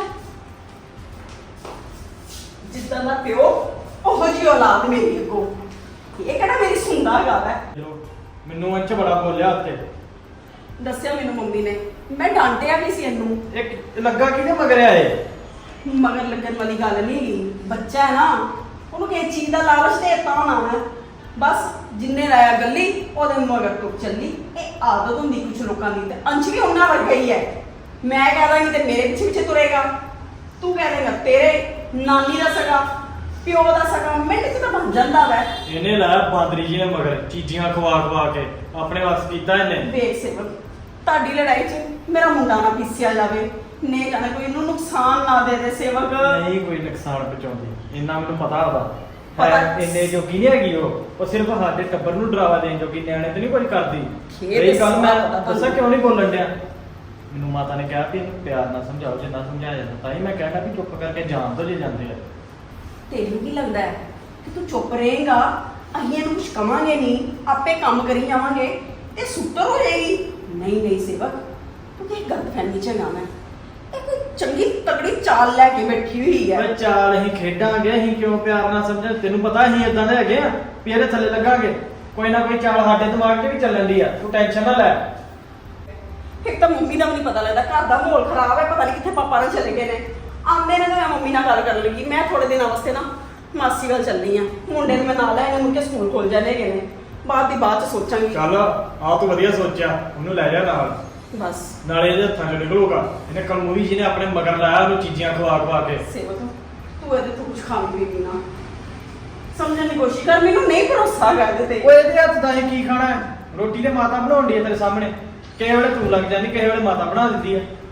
[SPEAKER 3] ਜਿੱਦਾਂ ਦਾ ਪਿਓ ਉਹੋ ਜਿਹੀ ਔਲਾਦ ਮੇਰੀ ਅੱਗੋਂ। ਇਹ ਕਿਹੜਾ ਮੇਰੀ ਸੁਣਦਾ ਹੈਗਾ ਵੈ।
[SPEAKER 5] ਚਲੋ ਮੈਨੂੰ ਅੰਚ ਬੜਾ ਬੋਲਿਆ ਉੱਥੇ
[SPEAKER 3] ਦੱਸਿਆ ਮੈਨੂੰ ਮੰਮੀ ਨੇ ਮੈਂ ਡਾਂਟਿਆ ਵੀ ਸੀ ਇਹਨੂੰ।
[SPEAKER 5] ਇੱਕ ਲੱਗਾ ਕਿਹਦੇ ਮਗਰ ਆਏ
[SPEAKER 3] ਮਗਰ ਲੱਗਣ ਵਾਲੀ ਗੱਲ ਨਹੀਂ ਬੱਚਾ ਹੈ ਨਾ ਉਹਨੂੰ ਕਿਸੇ ਚੀਜ਼ ਦਾ ਲਾਲਚ ਦੇਤਾ ਹੋਣਾ ਮੈਂ ਬਸ ਜਿੰਨੇ ਲਾਇਆ ਗੱਲੀ ਉਹਦੇ ਮਗਰ ਤੋਂ ਚੱਲੀ। ਇਹ ਆਦਤ ਹੁੰਦੀ ਕੁਝ ਲੋਕਾਂ ਦੀ ਤੇ ਅੰਸ਼ ਵੀ ਉਹਨਾਂ ਵਰਗਾ ਹੀ ਹੈ। ਮੈਂ ਕਹਿ ਦਾਂਗੀ ਤੇ ਮੇਰੇ ਪਿੱਛੇ ਪਿੱਛੇ ਤੁਰੇਗਾ ਤੂੰ ਕਹਿ ਦੇਗਾ ਤੇਰੇ ਨਾਨੀ ਦਾ ਸਗਾ ਪਿਓ ਦਾ ਸਗਾ ਮਿੰਟ ਚ ਤਾਂ ਬਣ ਜਾਂਦਾ ਵੈ।
[SPEAKER 5] ਇਹਨੇ ਲਾਇਆ ਬਾਂਦਰੀ ਜੀ ਨੇ ਮਗਰ ਚੀਜ਼ੀਆਂ ਖਵਾ ਖਵਾ ਕੇ ਆਪਣੇ ਵਾਸ ਕੀਤਾ ਇਹਨੇ।
[SPEAKER 3] ਵੇਖ ਸੇਵਕ ਤੁਹਾਡੀ ਲੜਾਈ 'ਚ ਮੇਰਾ ਮੁੰਡਾ ਨਾ ਪੀਸਿਆ ਜਾਵੇ ਨੇ ਜਾਣੇ ਕੋਈ ਇਹਨੂੰ ਨੁਕਸਾਨ ਨਾ ਦੇ ਦੇ ਸੇਵਕ।
[SPEAKER 5] ਨਹੀਂ ਕੋਈ ਨੁਕਸਾਨ ਪਹੁੰਚਾਉਂਦੀ ਇੰਨਾ ਮੈਨੂੰ ਪਤਾ ਉਹਦਾ
[SPEAKER 3] ਪਤਾ-
[SPEAKER 5] ਹੈ ਇੰਨੇ ਜੋਗੀ ਨਹੀਂ ਹੈਗੀ ਉਹ ਉਹ ਸਿਰਫ ਸਾਡੇ ਟੱਬਰ ਨੂੰ ਡਰਾਵਾ ਦੇਣ ਜੋਗੀ ਨਿਆਣੇ ਤੇ ਨਹੀਂ ਕੁਝ ਕਰਦੀ।
[SPEAKER 3] ਖੇਡ
[SPEAKER 5] ਇਹ ਗੱਲ ਮੈਂ
[SPEAKER 3] ਪਤਾ ਤੁਹਾਨੂੰ।
[SPEAKER 5] ਦੱਸਾਂ ਕਿਉਂ ਨਹੀਂ ਬੋਲਣ ਡਿਆ ਮੈਨੂੰ ਮਾਤਾ ਨੇ ਕਿਹਾ ਵੀ ਇਹਨੂੰ ਪਿਆਰ ਨਾਲ ਸਮਝਾਓ ਜੇ ਨਾ ਸਮਝਾਇਆ ਜਾਂਦਾ ਤਾਂ ਹੀ ਮੈਂ ਕਹਿਣਾ ਵੀ ਚੁੱਪ ਕਰਕੇ ਜਾਣ ਦੋ ਜੇ ਜਾਂਦੇ ਆ।
[SPEAKER 3] ਤੈਨੂੰ ਕੀ ਲੱਗਦਾ ਹੈ ਕਿ ਤੂੰ ਚੁੱਪ ਰਹੇਗਾ ਅਸੀਂ ਇਹਨੂੰ ਕੁਝ ਕਵਾਂਗੇ ਨਹੀਂ ਆਪੇ ਕੰਮ ਕਰੀ ਜਾਵਾਂਗੇ ਤੇ ਸੁੱਤਰ ਹੋ ਜਾਏਗੀ। ਨਹੀਂ ਨਹੀਂ ਸੇਵਕ ਤੂੰ ਕੀ ਗਲਤਫਹਿਮੀ ਚ ਨਾ ਮੈਂ ਇਹ ਕੋਈ ਚੰਗੀ ਤਗੜੀ ਚਾਲ ਲੈ ਕੇ ਬੈਠੀ ਹੋਈ ਹੈ।
[SPEAKER 5] ਓਏ ਚਾਲ ਅਸੀਂ ਖੇਡਾਂਗੇ ਅਸੀਂ ਕਿਉਂ ਪਿਆਰ ਨਾਲ ਸਮਝਾਂ ਤੈਨੂੰ ਪਤਾ ਅਸੀਂ ਇਦਾਂ ਦੇ ਹੈਗੇ ਆ ਵੀ ਇਹਦੇ ਥੱਲੇ ਲੱਗਾਂਗੇ ਕੋਈ ਨਾ ਕੋਈ ਚਾਲ ਸਾਡੇ ਦਿਮਾਗ 'ਚ ਵੀ ਚੱਲਣ ਦੀ ਆ ਤੂੰ ਟੈਨਸ਼ਨ ਨਾ ਲੈ।
[SPEAKER 3] ਇੱਕ ਤਾਂ ਮੰਮੀ ਦਾ ਵੀ ਨਹੀਂ ਪਤਾ ਲੱਗਦਾ ਘਰ ਦਾ ਮਾਹੌਲ ਖਰਾਬ ਹੈ ਪਤਾ ਨਹੀਂ ਕਿੱਥੇ ਪਾਪਾ ਨਾਲ ਚਲੇ ਗਏ ਨੇ। ਆਉਂਦੇ ਨੇ ਤਾਂ ਮੈਂ ਮੰਮੀ ਨਾਲ ਗੱਲ ਕਰਨ ਲੱਗੀ ਮੈਂ ਥੋੜੇ ਦਿਨਾਂ ਵਾਸਤੇ ਨਾ ਮਾਸੀ ਵੱਲ ਚੱਲਣੀ ਆ ਮੁੰਡੇ ਨੂੰ ਮੈਂ ਨਾਲ ਲੈ ਇਹਨੇ ਮੁੜ ਕੇ ਸਕੂਲ ਖੋਲ ਜਾਣੇ ਹੈਗੇ ਨੇ ਬਾਅਦ ਦੀ ਬਾਅਦ ਚ ਸੋਚਾਂਗੀ।
[SPEAKER 5] ਚੱਲ ਆ ਤੂੰ ਵਧੀਆ ਸੋਚਿਆ ਉਹਨੂੰ ਲੈ ਜਾ ਨਾਲ
[SPEAKER 3] ਬਸ
[SPEAKER 5] ਨਾਲੇ ਇਹਦੇ ਹੱਥਾਂ 'ਚ ਨਿਕਲੂਗਾ ਇਹਨੇ ਕਲਮੂਰੀ ਜੀ ਨੇ ਆਪਣੇ ਮਗਰ ਲਾਇਆ ਉਹਨੂੰ ਚੀਜ਼ੀਆਂ ਖਵਾ ਖਵਾ ਕੇ।
[SPEAKER 3] ਸੇਵਕ ਤੂੰ ਇਹਦੇ ਤੋਂ ਕੁਝ ਖਾਣ ਪੀਣ ਦੀ ਨਾ ਸਮਝਣ ਦੀ ਕੋਸ਼ਿਸ਼ ਕਰ ਮੈਨੂੰ ਨਹੀਂ ਭਰੋਸਾ ਕਰ ਇਹਦੇ ਤੇ।
[SPEAKER 5] ਓਏ ਇਹਦੇ ਹੱਥ ਦਾ ਅਸੀਂ ਕੀ ਖਾਣਾ ਹੈ? ਰੋਟੀ ਤੇ ਮਾਤਾ ਬਣਾਉਂਦੀ ਹੈ ਤੇਰੇ ਸਾਹਮਣੇ ਕਿਸੇ ਵੇਲੇ ਤੂੰ ਲੱਗ ਜਾਂਦੀ ਕਿਸੇ ਵੇਲੇ ਮਾਤਾ ਬਣਾ ਦਿੰਦੀ ਹੈ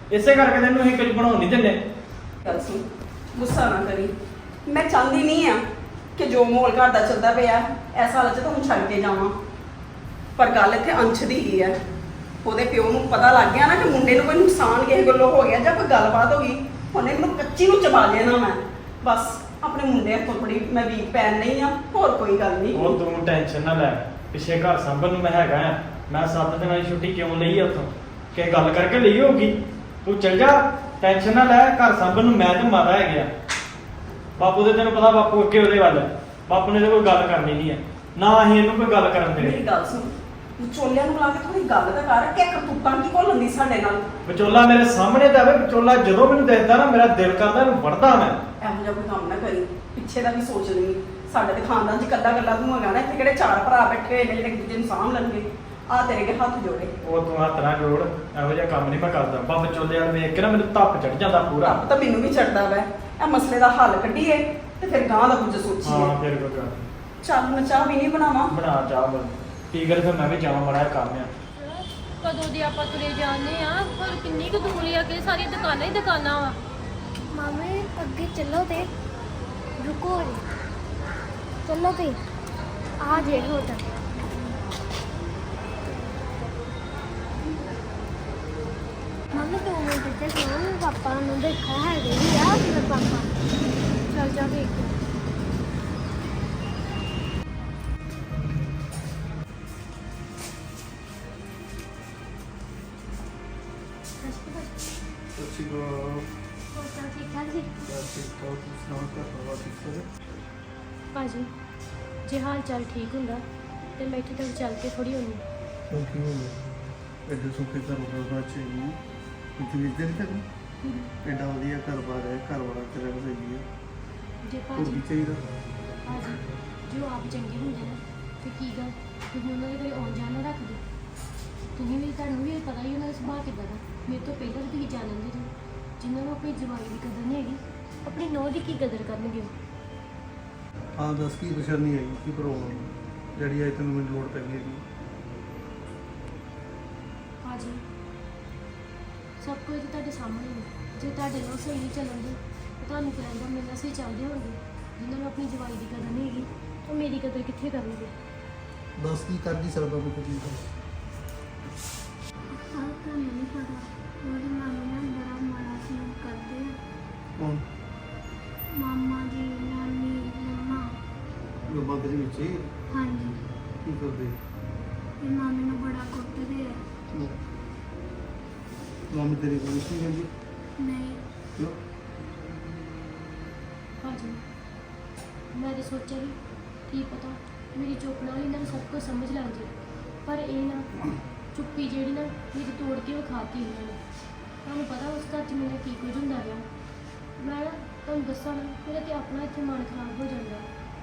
[SPEAKER 5] ਇਸੇ ਕਰਕੇ ਤੈਨੂੰ ਅਸੀਂ ਕੁਝ ਬਣਾਉਣ ਨਹੀਂ ਦਿੰਦੇ।
[SPEAKER 3] ਗੱਲ ਸੁਣ, ਗੁੱਸਾ ਨਾ ਕਰੀ। ਮੈਂ ਚਾਹੁੰਦੀ ਨਹੀਂ ਆ ਕਿ ਜੋ ਮਾਹੌਲ ਘਰ ਦਾ ਚੱਲਦਾ ਪਿਆ ਇਸ ਹਾਲਤ 'ਚ ਤਾਂ ਹੁਣ ਛੱਡ ਕੇ ਜਾਵਾਂ, ਪਰ ਗੱਲ ਇੱਥੇ ਅੰਸ਼ ਦੀ ਹੀ ਹੈ। ਉਹਦੇ ਪਿਓ ਨੂੰ ਪਤਾ ਲੱਗ ਗਿਆ ਨਾ ਕਿ ਮੁੰਡੇ ਨੂੰ ਕੋਈ ਨੁਕਸਾਨ ਕਿਸੇ ਗੱਲੋਂ ਹੋ ਗਿਆ ਜਾਂ ਕੋਈ ਗੱਲਬਾਤ ਹੋ ਗਈ, ਉਹਨੇ ਮੈਨੂੰ ਕੱਚੀ ਨੂੰ ਚਬਾ ਲੈਣਾ। ਮੈਂ ਬਸ ਆਪਣੇ ਮੁੰਡੇ ਤੋਂ ਬੜੀ ਮੈਂ ਵੀਕ ਪੈਣ ਨਹੀਂ ਆ, ਹੋਰ ਕੋਈ ਗੱਲ ਨਹੀਂ।
[SPEAKER 5] ਉਹ ਤੂੰ ਟੈਨਸ਼ਨ ਨਾ ਲੈ, ਪਿੱਛੇ ਘਰ ਸੰਭਲ ਨੂੰ ਮੈਂ ਹੈਗਾ ਆ। ਮੈਂ ਸੱਤ ਦਿਨਾਂ ਦੀ ਛੁੱਟੀ ਕਿਉਂ ਲਈ ਆ ਉੱਥੋਂ? ਕਿ ਗੱਲ ਕਰਕੇ ਲਈ ਹੋਊਗੀ। ਤੂੰ ਚੱਲ ਜਾ, ਟੈਨਸ਼ਨ ਨਾ ਲੈ। ਘਰ ਸੰਭਲ ਨੂੰ ਮੈਂ ਤੇ ਮਾਤਾ ਹੈਗੇ ਆ। ਬਾਪੂ ਦੇ ਤੈਨੂੰ ਪਤਾ, ਬਾਪੂ ਅੱਗੇ ਉਹਦੇ ਵੱਲ। ਬਾਪੂ ਨੇ ਤਾਂ ਕੋਈ ਗੱਲ ਕਰਨੀ ਨਹੀਂ ਹੈ, ਨਾ ਅਸੀਂ ਇਹਨੂੰ ਕੋਈ ਗੱਲ ਕਰਨ
[SPEAKER 3] ਮੇਰੀ
[SPEAKER 5] ਦੇਣੀ।
[SPEAKER 3] ਗੱਲ ਸੁਣ, ਵਿਚੋਲਿਆਂ ਨੂੰ ਲਾ ਕੇ ਥੋੜੀ ਗੱਲ ਤਾਂ ਕਰ ਕਿ ਕਰਤੂਤਾਂ ਕੀ ਘੋਲਣ ਦੀ ਸਾਡੇ ਨਾਲ।
[SPEAKER 5] ਵਿਚੋਲਾ ਮੇਰੇ ਸਾਹਮਣੇ ਤਾਂ ਆਵੇ। ਵਿਚੋਲਾ ਜਦੋਂ ਮੈਨੂੰ ਦੇਖਦਾ ਨਾ, ਮੇਰਾ ਦਿਲ ਕਰਦਾ ਇਹਨੂੰ ਵੜਦਾ ਮੈਂ।
[SPEAKER 3] ਇਹੋ ਜਿਹਾ ਕੋਈ ਕੰਮ ਨਾ ਕਰੀ, ਪਿੱਛੇ ਦਾ ਵੀ ਸੋਚ ਲਈ। ਸਾਡੇ ਤੇ ਖਾਨਦਾਨ 'ਚ ਕੱਲਾ ਕੱਲਾ ਤੂੰ ਹੈਗਾ ਨਾ, ਇੱਥੇ ਕਿਹੜੇ ਚਾਰ ਭਰਾ ਬੈਠੇ ਹੋਏ ਨੇ ਜਿਹੜੇ ਇੱਕ ਦੂਜੇ ਨੂੰ ਸਾਂਭ ਲੈਣਗੇ। ਆ ਤੇਰੇ ਅੱਗੇ ਹੱਥ ਜੋੜੇ।
[SPEAKER 5] ਉਹ ਤੂੰ ਹੱਥ ਨਾ ਜੋੜ, ਇਹੋ ਜਿਹਾ ਕੰਮ ਨਹੀਂ ਮੈਂ ਕਰਦਾ। ਬਾ ਵਿਚੋਲੇ ਵਾਲ ਵੇਖ ਕੇ ਨਾ ਮੈਨੂੰ ਧੱਪ ਚੜ ਜਾਂਦਾ ਪੂਰਾ।
[SPEAKER 3] ਰੱਬ ਤਾਂ ਮੈਨੂੰ ਵੀ ਚੜਦਾ ਵੈ। ਇਹ ਮਸਲੇ ਦਾ ਹੱਲ ਕੱਢੀਏ ਤੇ ਫਿਰ ਗਾਂ ਦਾ ਕੁਝ ਸੋਚੀਏ।
[SPEAKER 5] ਹਾਂ ਫਿਰ ਕੋਈ ਗੱਲ ਨੀ।
[SPEAKER 3] ਚੱਲ ਮੈਂ ਚਾਹ ਵੀ ਨਹੀਂ ਬਣਾਵਾਂ।
[SPEAKER 5] ਬਣਾ ਚਾਹ ਬਣ ਠੀਕ ਹੈ, ਫਿਰ ਮੈਂ ਵੀ ਜਾਵਾਂ, ਮਾੜਾ ਜਿਹਾ ਕੰਮ ਆ।
[SPEAKER 2] ਕਦੋਂ ਦੇ ਆਪਾਂ ਤੁਰੇ ਜਾਂਦੇ ਆ, ਪਰ ਕਿੰਨੀ ਕੁ ਦੂਰ ਆ ਕਿ ਸਾਰੀਆਂ ਦੁਕਾਨਾਂ ਹੀ ਦੁਕਾਨਾਂ ਵਾ।
[SPEAKER 1] ਮਾਮੇ ਅੱਗੇ ਚੱਲੋ ਤੇ ਰੁਕੋ ਰੇ, ਚੱਲੋ ਤੇ ਆ ਜੇ ਹੋਟਲ। ਮਾਮੇ ਦੋ ਮਿੰਟ ਤੇ ਸੁਣੋ, ਪਾਪਾ ਨੂੰ ਦੇਖਾ ਹੈਗੇ ਹੀ ਆ ਮੇਰੇ ਪਾਪਾ। ਚੱਲ ਜਾ ਵੇਖ।
[SPEAKER 6] ਸੱਚੀ ਕੋ
[SPEAKER 1] ਹੋਟਲ ਠੀਕ ਠਾਕ ਜੀ?
[SPEAKER 6] ਠੀਕ ਠਾਕ ਸੁਣਾਓ, ਘਰ ਪਰਿਵਾਰ ਠੀਕ ਸਾਰੇ?
[SPEAKER 2] ਭਾਜੀ ਜੇ ਹਾਲ ਚਾਲ ਠੀਕ ਹੁੰਦਾ ਤੇ ਮੈਂ ਇੱਥੇ ਤੱਕ ਚੱਲ ਕੇ ਥੋੜੀ ਹੁੰਦੀ।
[SPEAKER 6] ਕਿਉਂ ਕੀ ਹੋ ਗਿਆ? ਐਡੇ ਸੁੱਕੇ ਘਰ ਬਾਰ ਚ ਨੂੰ ਕਿਤੇ ਵੀ ਦਿਨ ਤੱਕ ਐਡਾ ਵਧੀਆ ਘਰ ਬਾਰ ਹੈ, ਘਰ ਵਾਲਾ ਤੇਰਾ ਸਹੀ ਹੈ।
[SPEAKER 2] ਜੇ
[SPEAKER 6] ਹੋਰ
[SPEAKER 2] ਭਾਜੀ
[SPEAKER 6] ਕੀ ਚਾਹੀਦਾ?
[SPEAKER 2] ਭਾਜੀ ਜੋ ਆਪ ਚੰਗੇ ਹੁੰਦੇ ਨਾ ਤੇ ਕੀ ਗੱਲ ਤੁਸੀਂ ਉਹਨਾਂ ਦੇ ਕੋਈ ਆਉਣ ਜਾਣ ਨਾ ਰੱਖਦੇ? ਤੁਸੀਂ ਵੀ ਤੁਹਾਨੂੰ ਵੀ ਪਤਾ ਹੀ ਉਹਨਾਂ ਦਾ ਸੁਭਾਅ ਕਿੱਦਾਂ ਦਾ। ਮੇਰੇ ਤੋਂ ਪਹਿਲਾਂ ਵੀ ਤੁਸੀਂ ਜਾਣਦੇ ਜੀ, ਜਿਨ੍ਹਾਂ ਨੂੰ ਆਪਣੀ ਜਵਾਈ ਦੀ ਕਦਰ ਨਹੀਂ ਹੈਗੀ, ਆਪਣੀ ਨੌਂ ਦੀ ਕੀ ਕਦਰ ਕਰਨਗੇ ਉਹ?
[SPEAKER 6] ਹਾਂ ਦੱਸ ਕੀ ਪਰੇਸ਼ਾਨੀ ਆਈ, ਕੀ ਪ੍ਰੋਬਲਮ ਜਿਹੜੀ ਆਈ ਤੈਨੂੰ ਮੈਨੂੰ ਲੋੜ ਪੈ ਗਈ ਹੈਗੀ?
[SPEAKER 2] ਭਾਜੀ ਸਭ ਕੁਝ ਤਾਂ ਤੁਹਾਡੇ ਸਾਹਮਣੇ ਹੈ। ਜੇ ਤੁਹਾਡੇ ਨਾਲ ਸਹੀ ਨਹੀਂ ਚੱਲਣ ਦੇ ਤਾਂ ਤੁਹਾਨੂੰ ਕੀ ਲੱਗਦਾ ਮੇਰੇ ਨਾਲ ਸਹੀ ਚੱਲਦੇ ਹੋਣਗੇ? ਜਿਨ੍ਹਾਂ ਨੂੰ ਆਪਣੀ ਜਵਾਈ ਦੀ ਕਦਰ ਨਹੀਂ ਹੈਗੀ, ਉਹ ਮੇਰੀ ਕਦਰ ਕਿੱਥੇ ਕਰਨਗੇ?
[SPEAKER 6] ਦੱਸ ਕੀ ਕਰ ਨਹੀਂ ਸਕਦਾ ਮੈਂ ਕੁਝ ਨਹੀਂ।
[SPEAKER 1] ਆਹ ਤਾਂ ਨਹੀਂ ਪਤਾ, ਉਹਦੇ ਮਾਮੇ ਨਾਲ ਬੜਾ ਮਾੜਾ ਸਲੂਕ ਕਰਦੇ ਆ।
[SPEAKER 6] ਕੌਣ?
[SPEAKER 1] ਮਾਮਾ ਜੀ, ਨਾਨੀ, ਮੰਮਾ।
[SPEAKER 6] ਜੋ ਬੰਦ ਦੇ ਵਿੱਚ ਹੀ
[SPEAKER 1] ਹਾਂਜੀ,
[SPEAKER 6] ਕੀ ਕਰਦੇ?
[SPEAKER 1] ਇਹ ਮਾਮੇ ਨੂੰ ਬੜਾ ਕੁੱਟਦੇ ਆ।
[SPEAKER 6] ਮਾਮੀ ਤੇਰੀ ਕੋਈ ਨਹੀਂ ਕਹਿੰਦੀ?
[SPEAKER 1] ਨਹੀਂ,
[SPEAKER 6] ਕਿਉਂ?
[SPEAKER 2] ਭਾਜੀ ਮੈਂ ਤਾਂ ਸੋਚਿਆ ਵੀ ਕੀ ਪਤਾ ਮੇਰੀ ਚੁੱਪ ਨਾਲ ਇਹਨਾਂ ਨੂੰ ਸਭ ਕੁਝ ਸਮਝ ਲੱਗ ਜੇ, ਪਰ ਇਹ ਨਾ ਚੁੱਪੀ ਜਿਹੜੀ ਨਾ ਮੇਰੀ ਤੋੜ ਕੇ ਉਹ ਖਾਤੀ ਇਹਨਾਂ ਨੇ। ਤੁਹਾਨੂੰ ਪਤਾ ਉਸ ਘਰ 'ਚ ਮੇਰਾ ਕੀ ਕੁਝ ਹੁੰਦਾ ਰਿਹਾ। ਮੈਂ ਨਾ ਤੁਹਾਨੂੰ ਦੱਸਾਂ ਨਾ, ਮੇਰਾ ਤੇ ਆਪਣਾ ਇੱਥੇ ਮਨ ਖਰਾਬ ਹੋ ਜਾਂਦਾ।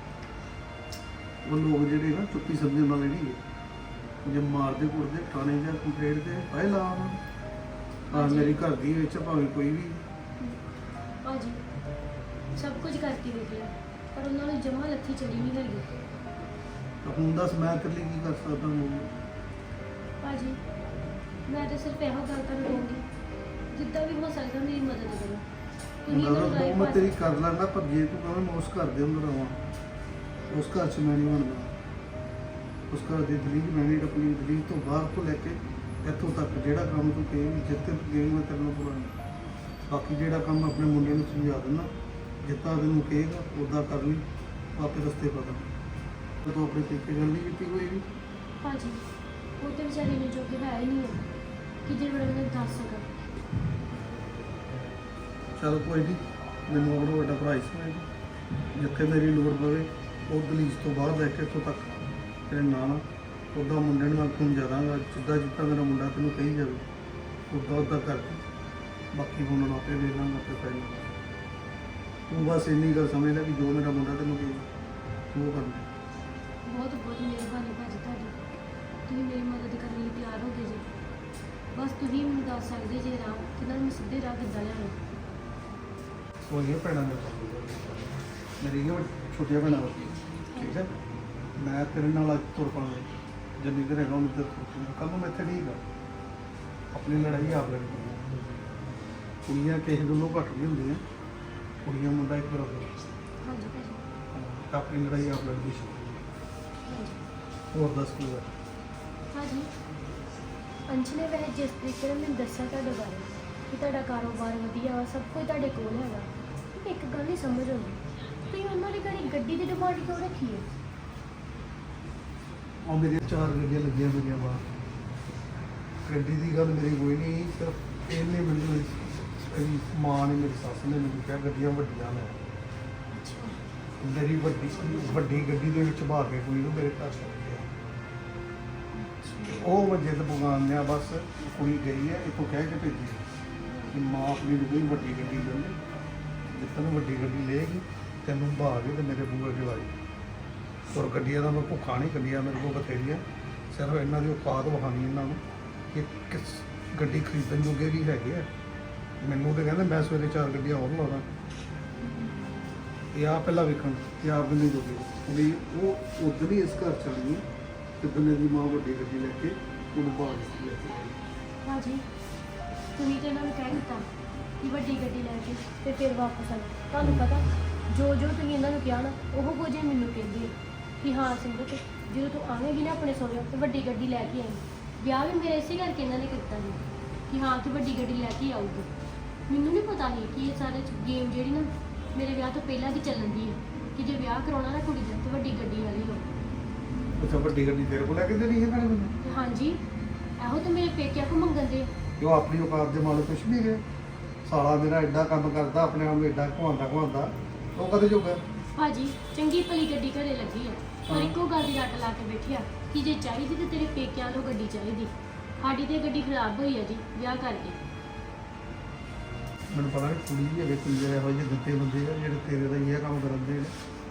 [SPEAKER 6] ਉਹ ਲੋਕ ਜਿਹੜੇ ਨਾ ਚੁੱਪੀ ਸਮਝਣ ਵਾਲੇ ਨਹੀਂ ਹੈ, ਜੇ ਮਾਰਦੇ ਕੁੱਟਦੇ ਥਾਣੇ ਜਾਂ ਕੰਪਲੇਂਟ ਤੇ ਫਾਇਲ ਲਾ ਉਹਨਾਂ ਨੂੰ। ਹਾਂ ਮੇਰੀ ਘਰ ਦੀ ਵਿੱਚ ਭਾਵੇਂ ਕੋਈ ਵੀ।
[SPEAKER 2] ਭਾਜੀ ਸਭ ਕੁਝ ਕਰਕੇ ਵੇਖ ਲਿਆ, ਪਰ ਉਹਨਾਂ ਨੂੰ ਜਮਾ ਲੱਥੀ ਚੜੀ ਨਹੀਂ ਹੈਗੀ।
[SPEAKER 6] ਤਾਂ ਹੁਣ ਦੱਸ ਮੈਂ ਤੇਰੇ ਲਈ ਕੀ ਕਰ ਸਕਦਾ ਹਾਂ?
[SPEAKER 2] ਭਾਜੀ ਮੈਂ ਤਾਂ ਸਿਰਫ ਇਹੋ ਗੱਲ ਤੁਹਾਨੂੰ ਕਹੂੰਗੀ, ਜਿੱਦਾਂ ਵੀ ਹੋ ਸਕਦਾ ਮੇਰੀ ਮਦਦ ਕਰੋ। ਤੁਸੀਂ
[SPEAKER 6] ਮੈਂ
[SPEAKER 2] ਮੈਨੂੰ ਰਾਏ
[SPEAKER 6] ਮੈਂ ਤੇਰੀ
[SPEAKER 2] ਭਾਜੀ
[SPEAKER 6] ਕਰ ਲੈਂਦਾ, ਪਰ ਜੇ ਤੂੰ ਕਹਾਂ ਮੈਂ ਉਸ ਘਰ ਦੇ ਅੰਦਰ ਆਵਾਂ, ਉਸ ਘਰ 'ਚ ਮੈਂ ਨਹੀਂ ਬਣਦਾ। ਉਸ ਘਰ ਦੀ ਦਲੀਲ ਮੈਂ ਨਹੀਂ ਆਪਣੀ ਦਲੀਲ ਤੋਂ ਬਾਹਰ ਤੋਂ ਲੈ ਕੇ ਇੱਥੋਂ ਤੱਕ ਜਿਹੜਾ ਕੰਮ ਤੂੰ ਕਹੇਂਗੀ, ਜਿੱਥੇ ਤੂੰ ਕਹੇਂਗੀ ਮੈਂ ਤੇਰੇ ਨਾਲ ਪੁਰਾਣਾ। ਬਾਕੀ ਜਿਹੜਾ ਕੰਮ ਆਪਣੇ ਮੁੰਡੇ ਨੂੰ ਸਮਝਾ ਦੇਣਾ, ਜਿੱਦਾਂ ਤੈਨੂੰ ਕਹੇਗਾ ਉੱਦਾਂ ਕਰ ਲਈ, ਆਪੇ ਰਸਤੇ ਪਤਾ। ਤੂੰ ਆਪਣੇ ਤਰੀਕੇ ਗੱਲ ਨਹੀਂ ਕੀਤੀ ਕੋਈ ਵੀ?
[SPEAKER 2] ਭਾਜੀ ਉਹ ਤੇ ਵਿਚਾਰੀ ਨੂੰ ਜੋ ਕਿ ਹੈ ਹੀ ਨਹੀਂ ਹੈ ਕਿ ਜੇ ਬੜਾ ਮੈਨੂੰ ਦੱਸ ਸਕਾ।
[SPEAKER 6] ਚਲ ਕੋਈ ਨਹੀਂ, ਮੈਨੂੰ ਆਪਣਾ ਵੱਡਾ ਭਰਾ ਹੀ ਸਮਝ, ਜਿੱਥੇ ਮੇਰੀ ਲੋੜ ਪਵੇ ਉਹ ਦਲੀਜ ਤੋਂ ਬਾਹਰ ਲੈ ਕੇ ਇੱਥੋਂ ਤੱਕ ਤੇਰੇ ਨਾਲ ਉੱਦਾਂ ਮੁੰਡੇ ਨੂੰ ਮੈਂ ਸਮਝਾ ਦਾਂਗਾ। ਜਿੱਦਾਂ ਜਿੱਦਾਂ ਮੇਰਾ ਮੁੰਡਾ ਤੈਨੂੰ ਕਹੀ ਜਾਵੇ ਉੱਦਾਂ ਉੱਦਾਂ ਕਰਕੇ, ਬਾਕੀ ਹੁਣ ਮੈਂ ਆਪੇ ਵੇਖ ਲਾਂਗਾ, ਆਪੇ ਪੈ ਜਾਊਗਾ। ਤੂੰ ਬਸ ਇੰਨੀ ਗੱਲ ਸਮਝ ਲੈ ਕਿ ਜੋ ਮੇਰਾ ਮੁੰਡਾ ਤੈਨੂੰ ਕਹੇ ਉਹ ਕਰਨਾ।
[SPEAKER 2] ਬਹੁਤ ਬਹੁਤ ਮਿਹਰਬਾਨੀ ਭਾਜੀ ਤੁਹਾਡੀ, ਤੁਸੀਂ ਮੇਰੀ ਮਦਦ ਕਰਨ ਲਈ ਤਿਆਰ ਹੋ ਗਏ ਜੀ। ਬਸ ਤੁਸੀਂ ਮੈਨੂੰ ਦੱਸ ਸਕਦੇ ਜੇ ਰਾਹ ਕਿ ਨਾਲ ਮੈਂ ਸਿੱਧੇ ਰਾਹ ਕਿੱਦਾਂ ਲਿਆਵਾਂ।
[SPEAKER 6] ਉਹ ਇਹ ਪੈਣਾ ਮੇਰੀ ਇਹ ਛੋਟੀਆਂ ਭੈਣਾਂ ਵਾ, ਠੀਕ ਹੈ? ਮੈਂ ਤੇਰੇ ਨਾਲ ਅੱਜ ਤੁਰ ਪਾਉਂਗਾ, ਜਿੰਨੀ ਦੇਰ ਹੈਗਾ ਉਹਨੂੰ ਤੁਰ ਪਾਉਂਗਾ। ਕੱਲ੍ਹ ਨੂੰ ਮੈਂ ਇੱਥੇ ਨਹੀਂ ਹੈਗਾ, ਆਪਣੀ ਲੜਾਈ ਆਪ ਲੜਨੀ। ਕੁੜੀਆਂ ਕਿਸੇ ਗੱਲੋਂ ਘੱਟ ਨਹੀਂ ਹੁੰਦੀਆਂ, ਕੁੜੀਆਂ ਮੁੰਡਾ ਇੱਕ ਬਰਾਬਰ।
[SPEAKER 2] ਹਾਂਜੀ ਭਾਜੀ
[SPEAKER 6] ਹਾਂ, ਆਪਣੀ ਲੜਾਈ ਆਪ ਲੜਦੀ ਸੀ।
[SPEAKER 2] ਹਾਂਜੀ
[SPEAKER 6] ਹੋਰ ਦੱਸ ਕੀ ਹੋਇਆ?
[SPEAKER 2] ਭਾਜੀ ਅੰਸ਼ ਨੇ ਵੈਸੇ ਜਿਸ ਤਰੀਕੇ ਨਾਲ ਮੈਨੂੰ ਦੱਸਿਆ ਤੁਹਾਡੇ ਬਾਰੇ ਕਿ ਤੁਹਾਡਾ ਕਾਰੋਬਾਰ ਵਧੀਆ ਵਾ, ਸਭ ਕੁਝ ਤੁਹਾਡੇ ਕੋਲ ਹੈਗਾ, ਇੱਕ ਗੱਲ ਨਹੀਂ ਸਮਝ ਆਉਂਦੀ, ਤੁਸੀਂ ਉਹਨਾਂ ਦੀ ਘੜੀ ਗੱਡੀ ਦੀ ਡਿਮਾਂਡ ਕਿਉਂ ਰੱਖੀ ਹੈ?
[SPEAKER 6] ਉਹ ਮੇਰੀਆਂ ਚਾਰ ਗੱਡੀਆਂ ਲੱਗੀਆਂ ਮੇਰੀਆਂ ਬਾਹਰ। ਗੱਡੀ ਦੀ ਗੱਲ ਮੇਰੀ ਕੋਈ ਨਹੀਂ, ਸਿਰਫ ਇਹਨੇ ਮੈਨੂੰ ਮੇਰੀ ਮਾਂ ਨੇ, ਮੇਰੀ ਸੱਸ ਨੇ ਮੈਨੂੰ ਕਿਹਾ ਗੱਡੀਆਂ ਵੱਡੀਆਂ ਲੈ। ਮੇਰੀ ਵੱਡੀ ਵੱਡੀ ਗੱਡੀ ਦੇ ਵਿੱਚ ਬਹਾ ਕੇ ਕੁੜੀ ਨੂੰ ਮੇਰੇ ਘਰ ਛੱਡ ਗਿਆ। ਉਹ ਵਜੇ ਤੇ ਬੁਗਾਨ ਲਿਆ, ਬਸ ਕੁੜੀ ਗਈ ਹੈ, ਇੱਥੋਂ ਕਹਿ ਕੇ ਭੇਜੀ ਕਿ ਮਾਂ ਆਪਣੀ ਨੂੰ ਕੋਈ ਵੱਡੀ ਗੱਡੀ ਲੈ ਲੈ, ਜੇ ਤੈਨੂੰ ਵੱਡੀ ਗੱਡੀ ਲਏਗੀ ਤੈਨੂੰ ਬਹਾ ਕੇ ਤੇ ਮੇਰੇ ਬੂਹੇ ਅੱਗੇ ਲਾਈ। ਔਰ ਗੱਡੀਆਂ ਦਾ ਮੈਂ ਭੁੱਖਾ ਨਹੀਂ, ਗੱਡੀਆਂ ਮੇਰੇ ਕੋਲ ਬਥੇਰੀਆਂ, ਸਿਰਫ ਇਹਨਾਂ ਦੀ ਔਕਾਤ ਵਿਖਾਉਣੀ ਇਹਨਾਂ ਨੂੰ ਕਿ ਕਿਸ ਗੱਡੀ ਖਰੀਦਣ ਜੋਗੇ ਵੀ ਹੈਗੇ ਆ। ਮੈਨੂੰ ਤਾਂ ਕਹਿੰਦੇ ਮੈਂ ਸਵੇਰੇ ਚਾਰ ਗੱਡੀਆਂ ਹੋਰ ਲਾਉਣਾ, ਇਹ ਆ ਪਹਿਲਾਂ ਵੇਖਣ ਕਿ ਆਪ ਨਹੀਂ ਜੋਗੇ ਵੀ ਉਹ ਉਦੋਂ ਹੀ ਇਸ ਘਰ ਚ ਆਣੀ ਤੇ ਬੰਦੇ ਦੀ ਮਾਂ ਵੱਡੀ ਗੱਡੀ ਲੈ ਕੇ ਉਹਨੂੰ ਬਾਹਰ ਲੈ ਕੇ ਆਈ।
[SPEAKER 2] ਭਾਜੀ ਤੁਸੀਂ ਤੇ ਇਹਨਾਂ ਨੂੰ ਕਹਿ ਦਿੱਤਾ ਕਿ ਵੱਡੀ ਗੱਡੀ ਲੈ ਕੇ ਤੇ ਫਿਰ ਵਾਪਸ ਆਣਾ। ਤੁਹਾਨੂੰ ਪਤਾ ਜੋ ਜੋ ਤੁਸੀਂ ਇਹਨਾਂ ਨੂੰ ਕਿਹਾ ਨਾ ਉਹ ਕੁਝ ਹੀ ਮੈਨੂੰ ਕਹਿੰਦੇ ਆ ਕਿ ਹਾਂ ਸਿਮਰਤ ਜਦੋਂ ਤੂੰ ਆਵੇਂਗੀ ਨਾ ਆਪਣੇ ਸਹੁਰੇ ਤੇ ਵੱਡੀ ਗੱਡੀ ਲੈ ਕੇ ਆਈ। ਵਿਆਹ ਵੀ ਮੇਰੇ ਇਸੇ ਕਰਕੇ ਇਹਨਾਂ ਨੇ ਕੀਤਾ ਸੀ ਕਿ ਹਾਂ ਤੂੰ ਵੱਡੀ ਗੱਡੀ ਲੈ ਕੇ ਆਊਗੀ। ਮੈਨੂੰ ਨਹੀਂ ਪਤਾ ਸੀ ਕਿ ਇਹ ਸਾਰੇ ਗੇਮ ਜਿਹੜੀ ਨਾ ਮੇਰੇ ਵਿਆਹ ਤੋਂ ਪਹਿਲਾਂ ਦੀ ਚੱਲਣ ਦੀ ਹੈ ਕਿ ਜੇ ਵਿਆਹ ਕਰਾਉਣਾ ਨਾ ਕੁੜੀ ਦਾ ਤੇ ਵੱਡੀ ਗੱਡੀ ਵਾਲੀ ਹੋ।
[SPEAKER 6] ਅੱਛਾ, ਵੱਡੀ ਗੱਡੀ ਤੇਰੇ ਕੋਲ ਲੈ ਕੇ ਦੇਣੀ ਹੈ ਨਾਲੇ ਮੈਨੂੰ?
[SPEAKER 2] ਤੇ ਹਾਂਜੀ ਇਹੋ ਤਾਂ ਮੇਰੇ ਪੇਕਿਆਂ ਕੋ ਮੰਗਣ ਦੇ।
[SPEAKER 6] ਕਿ ਉਹ ਆਪਣੀ ਔਕਾਤ ਦੇ ਮਾਲਕ ਕੁਛ ਨਹੀਂ ਹੈ। ਸਾਲਾ ਮੇਰਾ ਐਡਾ ਕੰਮ ਕਰਦਾ, ਆਪਣੇ ਆਪ ਨੂੰ ਐਡਾ ਘੁਆਉਂਦਾ ਘੁਆਉਂਦਾ, ਉਹ ਕਦੇ ਜੋਗਾ?
[SPEAKER 2] ਭਾਜੀ ਚੰਗੀ ਭਲੀ ਗੱਡੀ ਘਰੇ ਲੱਗੀ ਆ, ਪਰ ਇੱਕੋ ਗੱਲ ਦੀ ਰੱਟ ਲਾ ਕੇ ਬੈਠਿਆ ਕਿ ਜੇ ਚਾਹੀਦੀ ਤੇ ਤੇਰੇ ਪੇਕਿਆਂ ਨੂੰ ਗੱਡੀ ਚਾਹੀਦੀ। ਸਾਡੀ ਤੇ ਗੱਡੀ ਖਰਾਬ ਹੋਈ ਆ ਜੀ ਵਿਆਹ ਕਰਕੇ।
[SPEAKER 6] ਮੈਨੂੰ ਪਤਾ ਨਹੀਂ ਕੁੜੀ ਵੀ ਹੈਗੇ ਕੁੜੀ ਇਹੋ ਜਿਹੇ ਦਿੱਤੇ ਬੰਦੇ ਆ ਜਿਹੜੇ ਤੇਰੇ ਦਾ ਹੀ ਇਹ ਕੰਮ ਕਰਨ ਦੇ ਨੇ।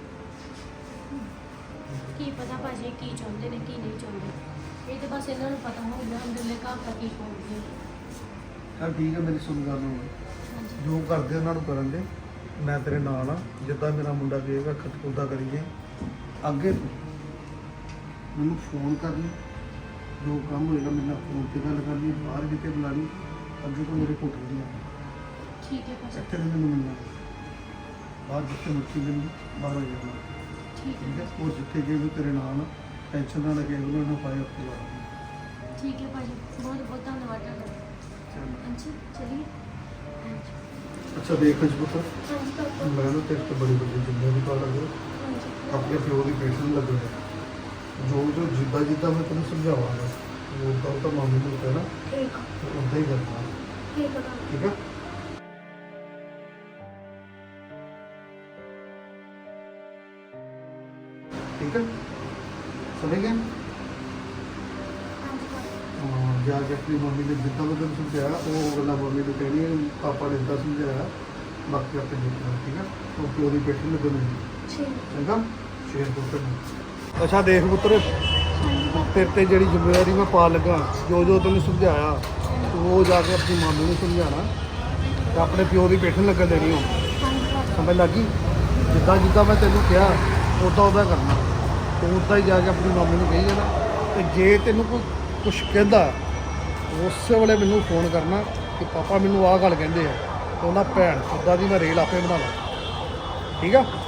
[SPEAKER 2] ਕੀ ਪਤਾ ਭਾਜੀ ਕੀ ਚਾਹੁੰਦੇ ਨੇ ਕੀ ਨਹੀਂ ਚਾਹੁੰਦੇ, ਇਹ ਤੇ ਬਸ ਇਹਨਾਂ ਨੂੰ ਪਤਾ ਹੋਊਗਾ ਅੰਦਰਲੇ ਘਰ ਦਾ ਕੀ ਪਾਉਂਦੇ।
[SPEAKER 6] ਚੱਲ ਠੀਕ ਹੈ, ਮੇਰੀ ਸੁਣ ਗੱਲ ਨੂੰ
[SPEAKER 2] ਹਾਂਜੀ
[SPEAKER 6] ਜੋ ਕਰਦੇ ਉਹਨਾਂ ਨੂੰ ਕਰਨ ਦੇ, ਮੈਂ ਤੇਰੇ ਨਾਲ ਆ। ਜਿੱਦਾਂ ਮੇਰਾ ਮੁੰਡਾ ਕਹੇਗਾ ਖਤ ਉੱਦਾਂ ਕਰੀਏ। ਅੱਗੇ ਤੋਂ ਮੈਨੂੰ ਫੋਨ ਕਰ ਲਈ, ਜੋ ਕੰਮ ਹੋਏਗਾ ਮੇਰੇ ਨਾਲ ਫੋਨ ਤੇ ਗੱਲ ਕਰ ਲਈ, ਬਾਹਰ ਕਿਤੇ ਬੁਲਾ ਲਈ। ਅੱਗੇ ਤੋਂ ਮੇਰੇ ਕੋਲ ਨਹੀਂ ਆਉਣਾ,
[SPEAKER 2] ਠੀਕ ਹੈ ਭਾਜੀ
[SPEAKER 6] ਇੱਥੇ ਨਹੀਂ ਮੈਨੂੰ ਮਿਲਣਾ। ਬਾਹਰ ਜਿੱਥੇ ਮਰਜ਼ੀ ਮੈਨੂੰ ਬਾਹਰ ਆ ਜਾਣਾ,
[SPEAKER 2] ਠੀਕ
[SPEAKER 6] ਠੀਕ
[SPEAKER 2] ਹੈ
[SPEAKER 6] ਹੈ? ਉਹ ਜਿੱਥੇ ਗਏ ਵੀ ਤੇਰੇ ਨਾਲ ਆ, ਟੈਨਸ਼ਨ ਨਾ ਲੱਗੇ, ਉਹਨਾਂ ਨੂੰ ਪਾਏ ਆਪੇ ਲਾ।
[SPEAKER 2] ਠੀਕ ਹੈ ਭਾਜੀ, ਬਹੁਤ ਬਹੁਤ ਧੰਨਵਾਦ ਤੁਹਾਡਾ। ਹਾਂਜੀ ਚਲਿਏ।
[SPEAKER 6] ਅੱਛਾ ਦੇਖ ਅੱਜ ਪੁੱਤਰ,
[SPEAKER 2] ਹਾਂਜੀ ਪਾਪਾ।
[SPEAKER 6] ਮੈਂ ਨਾ ਤੇਰੇ ਤੇ ਬੜੀ ਵੱਡੀ ਜ਼ਿੰਮੇਵਾਰੀ ਪਾ ਲੱਗਾ।
[SPEAKER 2] ਹਾਂਜੀ
[SPEAKER 6] ਆਪਣੇ ਪਿਓ ਦੀ ਪੇਸ਼ੈਂਟ ਲੱਗਣਾ, ਜੋ ਜੋ ਜਿੱਦਾਂ ਜਿੱਦਾਂ ਮੈਂ ਤੈਨੂੰ ਸਮਝਾਵਾਂਗਾ ਉਹ ਤਾਂ ਤਾਂ ਮਾਮੀ ਨੂੰ ਕਹਿਣਾ
[SPEAKER 2] ਠੀਕ
[SPEAKER 6] ਤੇ ਉਦਾਂ ਹੀ ਕਰਨਾ,
[SPEAKER 2] ਠੀਕ ਹੈ
[SPEAKER 6] ਠੀਕ ਹੈ? ਠੀਕ ਹੈ, ਸਮਝ ਗਿਆ?
[SPEAKER 2] ਹਾਂਜੀ ਪਾਪਾ।
[SPEAKER 6] ਹਾਂ, ਜਾ ਕੇ ਆਪਣੀ ਮੰਮੀ ਨੇ ਜਿੱਦਾਂ ਮੈਂ ਤੈਨੂੰ ਸਮਝਾਇਆ ਉਹ ਗੱਲਾਂ ਮੰਮੀ ਨੂੰ ਕਹਿਣੀ ਹੈ, ਪਾਪਾ ਨੇ ਇੱਦਾਂ ਸਮਝਾਇਆ, ਬਾਕੀ ਆਪੇ ਦੇਖਣਾ, ਠੀਕ ਹੈ? ਉਹ ਪਿਓ ਦੀ ਪੇਸ਼ੈਂਟ ਲੱਗਣੀ,
[SPEAKER 2] ਠੀਕ
[SPEAKER 6] ਚੰਗਾ? ਸ਼ੇਰ ਪੁੱਤਰ। ਅੱਛਾ ਦੇਖ ਪੁੱਤਰ, ਤੇਰੇ ਤੇ ਜਿਹੜੀ ਜ਼ਿੰਮੇਵਾਰੀ ਮੈਂ ਪਾ ਲੱਗਾ, ਜੋ ਜੋ ਤੈਨੂੰ ਸਮਝਾਇਆ ਉਹ ਜਾ ਕੇ ਆਪਣੀ ਮਾਮੀ ਨੂੰ ਸਮਝਾਉਣਾ ਤੇ ਆਪਣੇ ਪਿਓ ਦੀ ਪੇਠਣ ਲੱਗਣ ਦੇਣੀ ਹੋ। ਸਮਝ ਲੱਗੀ? ਜਿੱਦਾਂ ਜਿੱਦਾਂ ਮੈਂ ਤੈਨੂੰ ਕਿਹਾ ਉੱਦਾਂ ਉੱਦਾਂ ਕਰਨਾ, ਤੇ ਉੱਦਾਂ ਹੀ ਜਾ ਕੇ ਆਪਣੀ ਮਾਮੀ ਨੂੰ ਕਹੀ ਜਾਣਾ। ਤੇ ਜੇ ਤੈਨੂੰ ਕੋਈ ਕੁਛ ਕਹਿੰਦਾ ਉਸੇ ਵੇਲੇ ਮੈਨੂੰ ਫੋਨ ਕਰਨਾ ਕਿ ਪਾਪਾ ਮੈਨੂੰ ਆਹ ਗੱਲ ਕਹਿੰਦੇ ਆ, ਤੇ ਉਹਨਾਂ ਭੈਣ ਉੱਦਾਂ ਦੀ ਮੈਂ ਰੇਲ ਆਪੇ ਬਣਾ ਲਾਂ, ਠੀਕ ਆ?